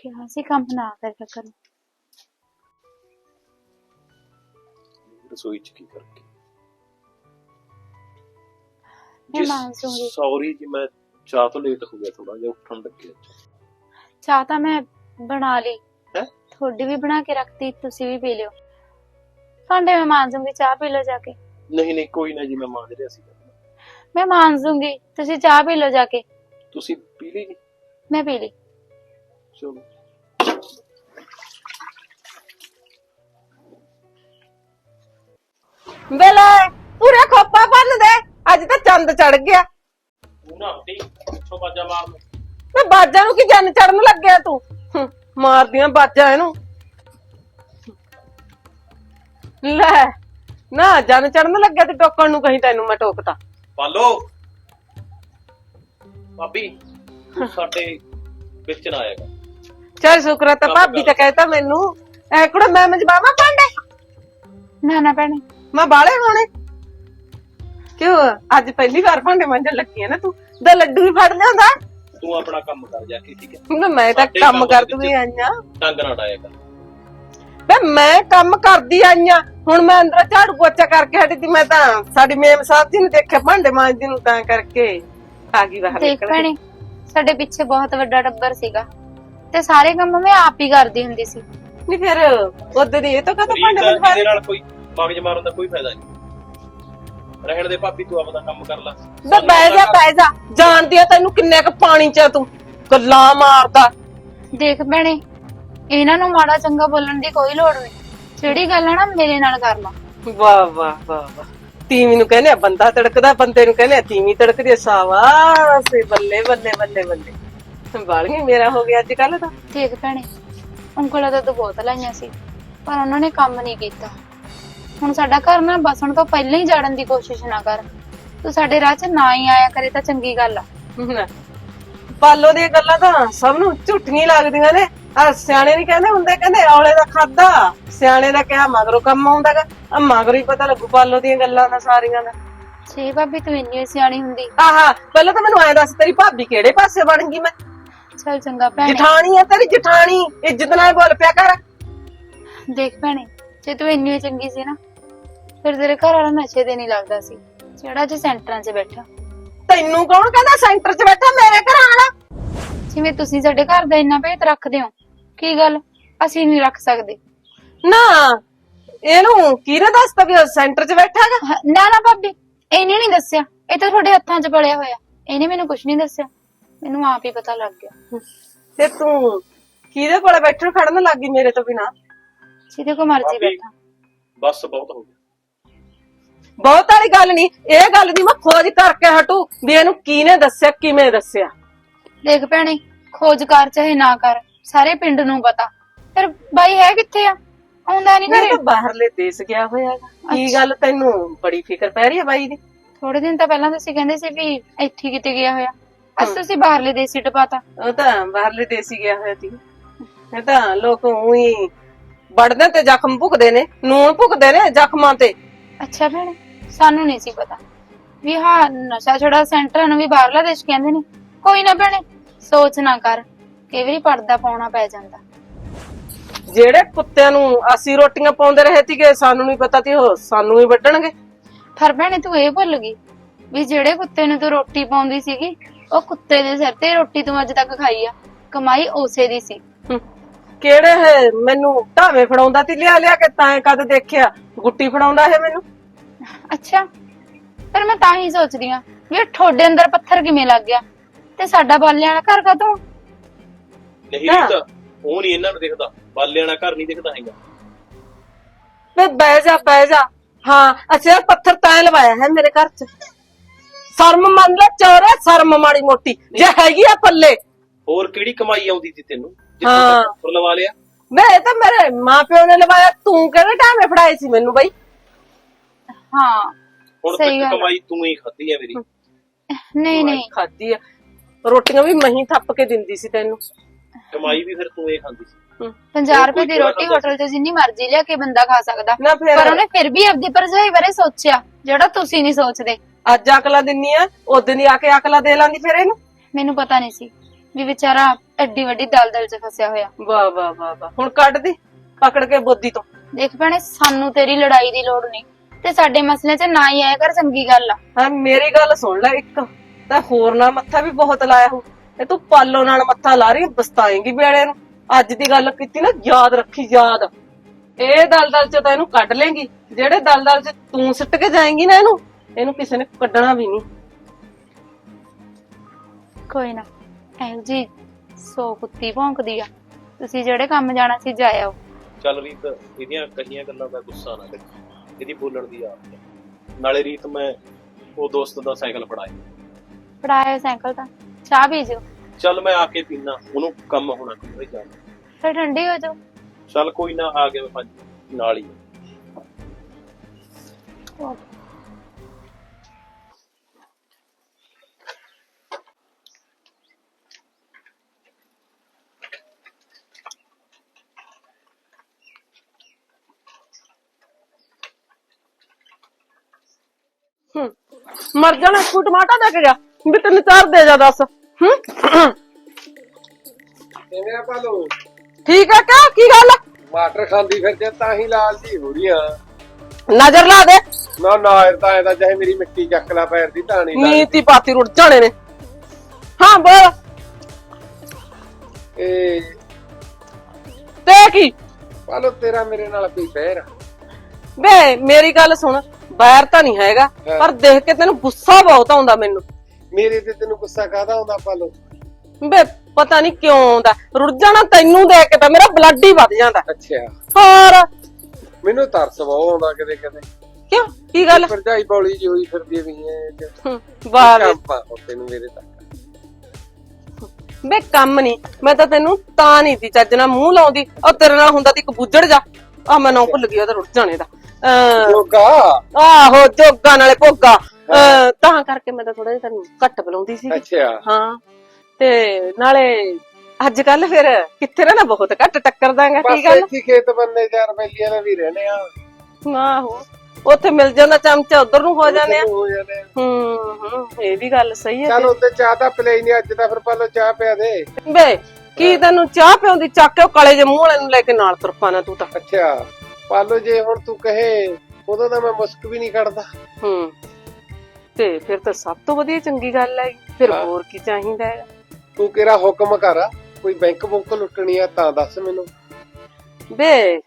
ਕਿਹਾ ਸੀ ਕੰਮ ਨਾ ਕਰਿਆ ਕਰੋ। ਰਸੋਈ ਚ ਕੀ ਕਰਕੇ ਮੈਂ ਮਾਂਜੂਗੀ। ਸੌਰੀ ਜੀ, ਮੈਂ ਚਾਹ ਤੋਂ ਲੇਟ ਹੋ ਗਿਆ, ਥੋੜਾ ਜਿਹਾ ਉੱਠਣ ਲੱਗਿਆ। ਚਾਹ ਤਾਂ ਮੈਂ ਬਣਾ ਲਈ, ਹੈ ਤੁਹਾਡੀ ਵੀ ਬਣਾ ਕੇ ਰੱਖਤੀ, ਤੁਸੀਂ ਵੀ ਪੀ ਲਿਓ। ਭਾਂਡੇ ਮੈਂ ਮਾਂਜੂਗੀ, ਚਾਹ ਪੀ ਲਓ ਜਾ ਕੇ। ਨਹੀਂ ਨਹੀਂ ਕੋਈ ਨਾ ਜੀ, ਮੈਂ ਮਾਂਜ ਰਿਹਾ ਸੀ। ਮੈਂ ਮਾਂਜੂਗੀ, ਤੁਸੀਂ ਚਾਹ ਪੀ ਲਓ ਜਾ ਕੇ। ਤੁਸੀਂ ਪੀ ਲਈ ਜੀ? ਮੈਂ ਪੀ ਲਈ। ਚਲੋ ਵੇਲੇ ਪੂਰਾ ਖੋਪਾ ਬੰਨ ਦੇ, ਅੱਜ ਤਾਂ ਚੰਦ ਚੜ ਗਿਆ। ਤੂੰ ਨਾ ਹੱਟੀ, ਪਿੱਛੋਂ ਬਾਜਾ ਮਾਰ। ਮੈਂ ਬਾਜਾਂ ਨੂੰ ਕੀ ਜੰਨ ਚੜਨ ਲੱਗਿਆ ਤੂੰ? ਮਾਰਦੀਆਂ ਬਾਜਾਂ ਇਹਨੂੰ। ਲੈ ਨਾ ਜੰਨ ਚੜਨ ਲੱਗਿਆ ਤੇ ਟੋਕਣ ਨੂੰ ਕਹੀਂ ਤੈਨੂੰ ਮੈਂ ਟੋਕਤਾ। ਪਾਲੋ ਭਾਬੀ, ਤੂੰ ਸਾਡੇ ਵਿੱਚ ਨਾ ਆਏਗਾ। ਚੱਲ ਸ਼ੁਕਰ ਤਾਂ ਭਾਬੀ ਤਾਂ ਕਹਿਤਾ ਮੈਨੂੰ। ਐ ਕੁੜਾ ਮੈਂ ਮਜਬਾਵਾ ਭਾਂਡੇ ਨਾ ਨਾ ਭੈਣੇ, ਮੈਂ ਬਾਲੇ ਹੋਣੇ ਕਿਉਂ? ਅੱਜ ਪਹਿਲੀ ਵਾਰ ਭਾਂਡੇ ਮਾਂਜਣ ਲੱਗੀ ਆ ਨਾ ਤੂੰ, ਦਾ ਲੱਡੂ ਵੀ ਫੜ ਲਿਆਉਂਦਾ। ਤੂੰ ਆਪਣਾ ਕੰਮ ਕਰ ਜਾ ਕੇ, ਠੀਕ ਹੈ? ਮੈਂ ਤਾਂ ਕੰਮ ਕਰਦੀ ਆਈਆਂ। ਟੰਗ ਨਾ ਡਾਏਗਾ। ਵੇ ਮੈਂ ਕੰਮ ਕਰਦੀ ਆਈਆਂ, ਹੁਣ ਮੈਂ ਅੰਦਰ ਝਾੜੂ ਪੋਚਾ ਕਰਕੇ ਹਟੀ ਤੀ। ਮੈਂ ਤਾਂ ਸਾਡੀ ਮੇਮ ਸਾਹਿਬ ਜੀ ਨੂੰ ਦੇਖਿਆ ਭਾਂਡੇ ਮਾਂਜਦੀ ਨੂੰ, ਤਾਂ ਕਰਕੇ ਆ ਗਈ ਬਾਹਰ ਦੇਖ ਨਿਕਲ ਭੈਣੇ, ਸਾਡੇ ਪਿੱਛੇ ਬਹੁਤ ਵੱਡਾ ਟੱਬਰ ਸੀਗਾ ਤੇ ਸਾਰੇ ਕੰਮ ਮੈਂ ਆਪ ਹੀ ਕਰਦੀ ਹੁੰਦੀ ਸੀ। ਨਹੀਂ ਫਿਰ ਉਹਦੇ ਦੀ ਇਹ ਤਾਂ ਕਹਤਾ ਭਾਂਡੇ ਮਾਂਜਵਾ ਇਹਦੇ ਨਾਲ ਕੋਈ ਮਗਜ ਮਾਰਨ ਦਾ ਕੋਈ ਫਾਇਦਾ ਨਹੀਂ। ਰਹਿਣ ਦੇ ਭਾਬੀ, ਤੂੰ ਆਪਣਾ ਕੰਮ ਕਰ ਲੈ। ਵੇ ਬਹਿ ਜਾ ਜਾਣਦੀ ਆ ਤੈਨੂੰ ਕਿੰਨੇ ਕ ਪਾਣੀ ਚ ਤੂੰ ਗੱਲਾਂ ਮਾਰਦਾ। ਦੇਖ ਭੈਣੇ, ਇਹਨਾਂ ਨੂੰ ਮਾੜਾ ਚੰਗਾ ਬੋਲਣ ਦੀ ਕੋਈ ਲੋੜ ਨਹੀਂ। ਜਿਹੜੀ ਗੱਲ ਹੈ ਨਾ ਮੇਰੇ ਨਾਲ ਕਰ ਲਾ। ਵਾਹ ਵਾਹ ਵਾਹ ਵਾਹ, ਤੀਵੀਂ ਨੂੰ ਕਹਿੰਦੇ ਆ ਬੰਦਾ ਤੜਕਦਾ, ਬੰਦੇ ਨੂੰ ਕਹਿੰਦੇ ਆ ਤੀਵੀਂ ਤੜਕਦੀ। ਸਾਵਾਸ, ਬੱਲੇ ਬੱਲੇ ਬੱਲੇ ਬੱਲੇ, ਸੰਭਾਲੀਏ ਮੇਰਾ ਹੋ ਗਿਆ ਅੱਜ ਕੱਲ ਤਾਂ। ਦੇਖ ਭੈਣੇ, ਉਂਗਲਾਂ ਤਾਂ ਤੂੰ ਬਹੁਤ ਲਾਈਆਂ ਸੀ, ਪਰ ਉਹਨਾਂ ਨੇ ਕੰਮ ਨਹੀਂ ਕੀਤਾ। ਹੁਣ ਸਾਡਾ ਘਰ ਨਾ ਬਸਣ ਤੋਂ ਪਹਿਲਾਂ ਹੀ ਜਾੜਨ ਦੀ ਕੋਸ਼ਿਸ਼ ਨਾ ਕਰ। ਤੂੰ ਸਾਡੇ ਰਾਹ 'ਚ ਨਾ ਹੀ ਆਇਆ ਕਰੇ ਤਾਂ ਚੰਗੀ ਗੱਲ ਆ। ਪਾਲੋ ਦੀਆਂ ਗੱਲਾਂ ਤਾਂ ਸਭ ਨੂੰ ਝੂਠੀਆਂ ਲੱਗਦੀਆਂ ਨੇ। ਆ ਸਿਆਣੇ ਨਹੀਂ ਕਹਿੰਦੇ ਹੁੰਦੇ, ਕਹਿੰਦੇ ਔਲੇ ਦਾ ਖਾਦਾ ਸਿਆਣੇ ਦਾ ਕਿਹਾ ਮਗਰੋਂ ਕੰਮ ਆਉਂਦਾਗਾ। ਆ ਮਗਰੋਂ ਹੀ ਪਤਾ ਲੱਗੂ ਪਾਲੋ ਦੀਆਂ ਗੱਲਾਂ ਦਾ ਸਾਰੀਆਂ ਦਾ। ਛੇ ਭਾਬੀ, ਤੂੰ ਇੰਨੀ ਸਿਆਣੀ ਹੁੰਦੀ। ਆਹਾ, ਪਹਿਲਾਂ ਤਾਂ ਮੈਨੂੰ ਐਂ ਦੱਸ, ਤੇਰੀ ਭਾਬੀ ਕਿਹੜੇ ਪਾਸੇ ਬਣ ਗਈ? ਮੈਂ ਚੱਲ ਚੰਗਾ ਭੈਣੇ। ਜਠਾਣੀ ਆ ਤੇਰੀ, ਜਠਾਣੀ, ਇੱਜ਼ਤ ਨਾਲ ਬੋਲ ਪਿਆ ਕਰ। ਦੇਖ ਭੈਣੇ, ਜੇ ਤੂੰ ਇੰਨੀ ਚੰਗੀ ਸੀ ਨਾ, ਫਿਰ ਤੇਰੇ ਘਰ ਵਾਲਾ ਨਸ਼ੇ ਤੇ ਨਹੀਂ ਲੱਗਦਾ ਸੀ, ਜਿਹੜਾ ਅੱਜ ਸੈਂਟਰਾਂ 'ਚ ਬੈਠਾ। ਤੈਨੂੰ ਕੌਣ ਕਹਿੰਦਾ ਸੈਂਟਰ 'ਚ ਬੈਠਾ ਮੇਰੇ ਘਰ ਆਣਾ? ਜਿਵੇਂ ਤੁਸੀਂ ਸਾਡੇ ਘਰ ਦਾ ਇੰਨਾ ਭੇਤ ਰੱਖਦੇ ਹੋ, ਕੀ ਗੱਲ ਅਸੀਂ ਨਹੀਂ ਰੱਖ ਸਕਦੇ? ਨਾ ਇਹਨੂੰ ਕਿਹਨੇ ਦੱਸਤਾ ਵੀ ਉਹ ਸੈਂਟਰ 'ਚ ਬੈਠਾ ਹੈਗਾ? ਨਾ ਨਾ ਭਾਬੀ, ਇਹਨੇ ਨਹੀਂ ਦੱਸਿਆ, ਇਹ ਤਾਂ ਤੁਹਾਡੇ ਹੱਥਾਂ 'ਚ ਪੜਿਆ ਹੋਇਆ। ਇਹਨੇ ਮੈਨੂੰ ਕੁਝ ਨਹੀਂ ਦੱਸਿਆ, ਮੈਨੂੰ ਆਪ ਹੀ ਪਤਾ ਲੱਗ ਗਿਆ। ਤੇ ਤੂੰ ਕਿਹਦੇ ਕੋਲੇ ਬੈਠਣ ਖੜਨ ਲੱਗੀ ਮੇਰੇ ਤੋਂ ਬਿਨਾ? ਜਿਹਦੇ ਕੋ ਮਰਜ਼ੀ ਬੈਠਾ। ਬਸ ਬਹੁਤ ਹੋ ਗਿਆ। ਬਹੁਤ ਵਾਲੀ ਗੱਲ ਨਹੀਂ, ਇਹ ਗੱਲ ਦੀ ਮੈਂ ਖੋਜ ਕਰਕੇ ਹਟੂ ਵੀ ਇਹਨੂੰ ਕਿਹਨੇ ਦੱਸਿਆ, ਕਿਵੇਂ ਦੱਸਿਆ। ਦੇਖ ਭੈਣੇ, ਖੋਜ ਕਰ ਚਾਹੇ ਨਾ ਕਰ, ਸਾਰੇ ਪਿੰਡ ਨੂੰ ਪਤਾ। ਫਿਰ ਬਾਈ ਹੈ ਕਿੱਥੇ ਆ? ਆਉਂਦਾ ਨਹੀਂ ਮੈਂ ਘਰੇ। ਤਾਂ ਬਾਹਰਲੇ ਦੇਸ਼ ਗਿਆ ਹੋਇਆ ਹੈਗਾ। ਕੀ ਗੱਲ, ਤੈਨੂੰ ਬੜੀ ਫਿਕਰ ਪੈ ਰਹੀ ਹੈ ਬਾਈ ਦੀ? ਥੋੜੇ ਦਿਨ ਤਾਂ ਪਹਿਲਾਂ ਤੁਸੀਂ ਕਹਿੰਦੇ ਸੀ ਵੀ ਇੱਥੇ ਕਿਤੇ ਗਿਆ ਹੋਇਆ, ਅੱਜ ਤੁਸੀਂ ਬਾਹਰਲੇ ਦੇਸ਼ ਹੀ ਟਪਾਤਾ। ਉਹ ਤਾਂ ਬਾਹਰਲੇ ਦੇਸ਼ ਹੀ ਗਿਆ ਹੋਇਆ ਸੀ। ਇਹ ਤਾਂ ਲੋਕ ਉਹੀ ਵੜਦੇ ਤੇ ਜ਼ਖਮ ਭੁਗਦੇ ਨੇ, ਨੂਣ ਭੁਗਦੇ ਨੇ ਜ਼ਖਮਾਂ ਤੇ। ਅੱਛਾ ਭੈਣੇ, ਸਾਨੂੰ ਨਹੀਂ ਸੀ ਪਤਾ ਵੀ ਹਾਂ ਨਸ਼ਾ ਛੁਡਾ ਸੈਂਟਰ ਨੂੰ ਵੀ ਬਾਹਰਲਾ ਦੇਸ਼ ਕਹਿੰਦੇ ਨੇ। ਕੋਈ ਨਾ ਭੈਣੇ, ਸੋਚ ਨਾ ਕਰ, ਕਈ ਵਾਰੀ ਪਰਦਾ ਪਾਉਣਾ ਪੈ ਜਾਂਦਾ। ਜਿਹੜੇ ਕੁੱਤਿਆਂ ਨੂੰ ਅਸੀਂ ਰੋਟੀਆਂ ਪਾਉਂਦੇ ਰਹੇ ਸੀਗੇ, ਸਾਨੂੰ ਨਹੀਂ ਪਤਾ ਸੀ ਉਹ ਸਾਨੂੰ ਹੀ ਵੱਢਣਗੇ। ਪਰ ਭੈਣੇ, ਤੂੰ ਇਹ ਭੁੱਲ ਗਈ ਵੀ ਜਿਹੜੇ ਕੁੱਤੇ ਨੂੰ ਤੂੰ ਰੋਟੀ ਪਾਉਂਦੀ ਸੀਗੀ, ਉਹ ਕੁੱਤੇ ਦੇ ਸਿਰ ਤੇ ਰੋਟੀ ਤੂੰ ਅੱਜ ਤੱਕ ਖਾਈ ਆ, ਕਮਾਈ ਉਸੇ ਦੀ ਸੀ। ਕਿਹੜੇ ਹੈ ਮੈਨੂੰ ਢਾਵੇਂ ਫੜਾਉਂਦਾ ਤੀ ਲਿਆ ਲਿਆ ਕੇ, ਤਾਂ ਕਦ ਦੇਖਿਆ ਗੁੱਟੀ ਫੜਾਉਂਦਾ ਹੈ ਮੈਨੂੰ। ਅੱਛਾ, ਪਰ ਮੈਂ ਤਾਂ ਹੀ ਸੋਚਦੀ ਆ ਵੀ ਤੁਹਾਡੇ ਅੰਦਰ ਪੱਥਰ ਕਿਵੇਂ ਲੱਗ ਗਿਆ ਤੇ ਸਾਡਾ ਬਾਲਿਆਂ ਵਾਲਾ ਘਰ ਕਾਹਤੋਂ? ਨਹੀਂ ਤਾਂ ਉਹ ਨਹੀਂ ਇਹਨਾਂ ਨੂੰ ਦਿਖਦਾ, ਬਾਲਿਆਂ ਵਾਲਾ ਘਰ ਨਹੀਂ ਦਿਖਦਾ ਹੈਗਾ। ਵੇ ਬਹਿ ਜਾ। ਹਾਂ, ਅੱਛਾ ਪੱਥਰ ਤਾਂ ਲਵਾਇਆ ਹੈ ਮੇਰੇ ਘਰ 'ਚ। ਸ਼ਰਮ ਮੰਨ ਲੈ ਚੋਰੇ, ਸ਼ਰਮ ਮਾੜੀ ਮੋਟੀ ਜੇ ਹੈਗੀ ਆ ਪੱਲੇ। ਹੋਰ ਕਿਹੜੀ ਕਮਾਈ ਆਉਂਦੀ ਸੀ ਤੈਨੂੰ ਹਾਂ। ਜਿੱਥੋਂ ਲਵਾ ਲਿਆ? ਵੇ ਇਹ ਤਾਂ ਮੇਰੇ ਮਾਪਿਓ ਨੇ ਲਵਾਇਆ, ਤੂੰ ਕਿਹੜੇ ਢਾਵੇਂ ਫੜਾਏ ਸੀ ਮੈਨੂੰ ਬਈ? ਹਾਂ ਹੁਣ ਸਹੀ ਤੱਕ ਗੱਲ। ਕਮਾਈ ਤੂੰ ਹੀ ਖਾਧੀ ਹੈ ਮੇਰੀ। ਨਹੀਂ ਖਾਦੀ ਆ ਰੋਟੀਆਂ ਵੀ ਮਹੀਂ ਥੱਪ ਕੇ ਦਿੰਦੀ ਸੀ ਤੈਨੂੰ। ਕਮਾਈ ਵੀ ਫਿਰ ਤੂੰ ਹੀ ਖਾਂਦੀ ਸੀ। 50 ਰੁਪਏ ਦੀ ਰੋਟੀ ਹੋਟਲ 'ਚ ਜਿੰਨੀ ਮਰਜ਼ੀ ਲਿਆ ਕੇ ਬੰਦਾ ਖਾ ਸਕਦਾ, ਨਾ ਫਿਰ ਪਰ ਉਹਨੇ ਫਿਰ ਵੀ ਆਪਦੀ ਭਰਜਾਈ ਬਾਰੇ ਸੋਚਿਆ, ਜਿਹੜਾ ਤੁਸੀਂ ਨਹੀਂ ਸੋਚਦੇ। ਅੱਜ ਅਕਲਾ ਦਿੰਨੀ ਆ, ਉਦੋਂ ਦੀ ਆ ਕੇ ਅਕਲਾ ਦੇ ਲਾਂਦੀ ਫਿਰ ਇਹਨੂੰ। ਮੈਨੂੰ ਪਤਾ ਨਹੀਂ ਸੀ ਵੀ ਵਿਚਾਰਾ ਐਡੀ ਵੱਡੀ ਦਲਦਲ 'ਚ ਫਸਿਆ ਹੋਇਆ। ਵਾਹ ਵਾਹ ਵਾਹ ਵਾਹ, ਹੁਣ ਕੱਢ ਦੀ ਪਕੜ ਕੇ ਬੋਦੀ ਤੋਂ। ਦੇਖ ਭੈਣੇ, ਸਾਨੂੰ ਤੇਰੀ ਲੜਾਈ ਦੀ ਲੋੜ ਨਹੀਂ ਤੇ ਸਾਡੇ ਮਸਲੇ 'ਚ ਨਾ ਹੀ ਆਇਆ ਕਰ, ਚੰਗੀ ਗੱਲ ਆ। ਹਾਂ ਮੇਰੀ ਗੱਲ ਸੁਣ ਲੈ, ਇੱਕ ਤਾਂ ਹੋਰ ਨਾਲ ਮੱਥਾ ਵੀ ਬਹੁਤ ਲਾਇਆ ਹੋ, ਤੇ ਤੂੰ ਪਾਲੋ ਨਾਲ ਮੱਥਾ ਲਾ ਰਹੀ, ਪਛਤਾਏਂਗੀ ਵੇਲੇ ਨੂੰ। ਅੱਜ ਦੀ ਗੱਲ ਕੀਤੀ ਨਾ, ਯਾਦ ਰੱਖੀ, ਯਾਦ। ਇਹ ਦਲਦਲ 'ਚ ਤਾਂ ਇਹਨੂੰ ਕੱਢ ਲੇਂਗੀ, ਜਿਹੜੇ ਦਲਦਲ 'ਚ ਤੂੰ ਸਿੱਟ ਕੇ ਜਾਏਂਗੀ ਨਾ ਇਹਨੂੰ ਕਿਸੇ ਨੇ ਕੱਢਣਾ ਵੀ ਨਹੀਂ। ਕੋਈ ਨਾ, ਇਹੋ ਜੀ 100 ਕੁੱਤੀ ਭੌਂਕਦੀ ਆ। ਤੁਸੀਂ ਜਿਹੜੇ ਕੰਮ ਜਾਣਾ ਸੀ ਜਾ ਆਓ। ਚੱਲ ਰੀਤ, ਇਹਦੀਆਂ ਕਹੀਆਂ ਗੱਲਾਂ ਦਾ ਗੁੱਸਾ ਨਾ ਕਰ, ਇਹਦੀ ਬੋਲਣ ਦੀ ਆਦਤ ਹੈ। ਨਾਲੇ ਰੀਤ, ਮੈਂ ਉਹ ਦੋਸਤ ਦਾ ਸਾਈਕਲ ਫੜਾਇਆ ਸਾਈਕਲ ਤਾਂ, ਚਾਹ ਪੀ ਜਿਓ। ਚੱਲ ਮੈਂ ਆ ਕੇ ਪੀਣਾ, ਉਹਨੂੰ ਕੰਮ ਹੋਣਾ ਕੋਈ ਜਾਣਾ। ਫਿਰ ਠੰਡੀ ਹੋ ਜਾਓ। ਚੱਲ ਕੋਈ ਨਾ, ਆ ਗਿਆ ਮੈਂ 5 ਨਾਲ ਹੀ। ਮਰ ਜਾਣਾ, ਤੂੰ ਟਮਾਟਾ ਦੇ ਕੇ ਗਿਆ ਵੀ ਤੈਨੂੰ ਚਾਰ ਦੇ ਜਾ, ਦੱਸ। ਕਿਵੇਂ ਆ ਪਾਲੋ? ਠੀਕ ਆ ਕਿਆ? ਕੀ ਗੱਲ? ਟਮਾਟਰ ਖਾਂਦੀ ਫਿਰ ਜੇ ਤਾਂ ਹੀ ਲਾਲ ਜੀ ਹੋ ਰਹੀ ਆ। ਨਜ਼ਰ ਲਾ ਦੇ। ਨਾ ਨਾ, ਤਾਂ ਇਹਦਾ ਚਾਹੇ ਮੇਰੀ ਮਿੱਟੀ ਚੱਕ ਲਾ ਪੈਰ ਦੀ, ਤਾਂ ਨਹੀਂ ਨੀਤੀ ਪਾਤੀ ਰੁੜ ਜਾਣੇ ਨੇ। ਹਾਂ ਬੋਲ। ਇਹ ਤੇ ਕੀ ਪਾਲੋ, ਤੇਰਾ ਮੇਰੇ ਨਾਲ ਕੋਈ ਬਹਿਰ ਆ? ਵੇ ਮੇਰੀ ਗੱਲ ਸੁਣ, ਬੈਰ ਤਾਂ ਨਹੀਂ ਹੈਗਾ, ਪਰ ਦੇਖ ਕੇ ਤੈਨੂੰ ਗੁੱਸਾ ਬਹੁਤ ਆਉਂਦਾ ਮੈਨੂੰ। ਮੇਰੇ ਤੇ ਤੈਨੂੰ ਗੁੱਸਾ ਕਾਹਦਾ ਆਉਂਦਾ ਪਾਲੋ? ਵੇ ਪਤਾ ਨਹੀਂ ਕਿਉਂ ਆਉਂਦਾ, ਰੁੜ ਜਾਣਾ ਤੈਨੂੰ ਦੇਖ ਕੇ ਤਾਂ ਮੇਰਾ ਬਲੱਡ ਹੀ ਵੱਧ ਜਾਂਦਾ। ਅੱਛਾ, ਹੋਰ ਮੈਨੂੰ ਤਰਸ ਬਹੁਤ ਆਉਂਦਾ ਕਦੇ ਕਦੇ। ਕਿਉਂ? ਕੀ ਗੱਲ? ਭਰਜਾਈ ਬੌਲੀ ਜੀ ਹੋਈ ਫਿਰਦੀ ਵੀ ਹੈ। ਵਾਹ ਵੇ। ਤੈਨੂੰ ਮੇਰੇ ਤੱਕ ਵੇ ਕੰਮ ਨਹੀਂ, ਮੈਂ ਤਾਂ ਤੈਨੂੰ ਤਾਂ ਨਹੀਂ ਤੀ ਚੱਜ ਨਾਲ ਮੂੰਹ ਲਾਉਂਦੀ। ਉਹ ਤੇਰੇ ਨਾਲ ਹੁੰਦਾ ਤੀ ਇੱਕ ਬੁੱਜੜ ਜਾ, ਆ ਮੈਂ ਨਾ ਭੁੱਲ ਗਈ ਉਹਦਾ ਰੁੜ ਜਾਣੇ ਦਾ। ਜੋਗਾ, ਆਹੋ ਜੋਗਾ ਨਾਲੇ ਭੋਗਾ। ਤਾਂ ਕਰਕੇ ਮੈਂ ਤਾਂ ਥੋੜਾ ਜਿਹਾ ਤੈਨੂੰ ਘੱਟ ਬੁਲਾਉਂਦੀ ਸੀ। ਅੱਛਾ ਹਾਂ, ਤੇ ਨਾਲੇ ਅੱਜ ਕੱਲ ਫਿਰ ਕਿੱਥੇ ਰਹਿਣਾ, ਬਹੁਤ ਘੱਟ ਟੱਕਰਦਾਂਗਾ। ਕੀ ਬਸ ਗੱਲ? ਇੱਥੇ ਖੇਤ ਬੰਨੇ 4 ਬੈਲੀਆਂ ਨਾਲ ਵੀ ਰਹਿੰਦੇ ਆ। ਆਹੋ, ਉੱਥੇ ਮਿਲ ਜਾਂਦਾ ਚਮਚਾ, ਉਧਰ ਨੂੰ ਹੋ ਜਾਂਦੇ ਆ। ਹੋ ਜਾਂਦੇ ਆ। ਇਹ ਵੀ ਗੱਲ ਸਹੀ ਹੈ। ਚੱਲ ਉੱਤੇ ਚਾਹ ਤਾਂ ਪਲੇ ਨਹੀਂ ਅੱਜ ਤਾਂ, ਫਿਰ ਪਾਲੋ ਚਾਹ ਪਿਆ ਦੇ। ਬੇ ਕੀ ਤੈਨੂੰ ਚਾਹ ਪਿਆਉਂਦੀ, ਚੱਕ ਕੇ ਉਹ ਕਾਲੇ ਜਿਹੇ ਮੂੰਹ ਵਾਲੇ ਨੂੰ ਲੈ ਕੇ ਨਾਲ ਤੁਰ ਪਾਣਾ ਤੂੰ ਤਾਂ। ਅੱਛਾ ਪਾਲੋ, ਜੇ ਹੁਣ ਤੂੰ ਕਹੇ ਉਦੋਂ ਤਾਂ ਮੈਂ ਮੁਸਕ ਵੀ ਨਹੀਂ ਕੱਢਦਾ। ਤੇ ਫਿਰ ਤਾਂ ਸਭ ਤੋਂ ਵਧੀਆ ਚੰਗੀ ਗੱਲ ਹੈ। ਫਿਰ ਹਾਂ। ਹੋਰ ਕੀ ਚਾਹੀਦਾ ਹੈ? ਤੂੰ ਕਿਹੜਾ ਹੁਕਮ ਕਰ, ਕੋਈ ਬੈਂਕ ਬੁੱਕ ਲੁੱਟਣੀ ਆ ਤਾਂ ਦੱਸ ਮੈਨੂੰ। ਬੇ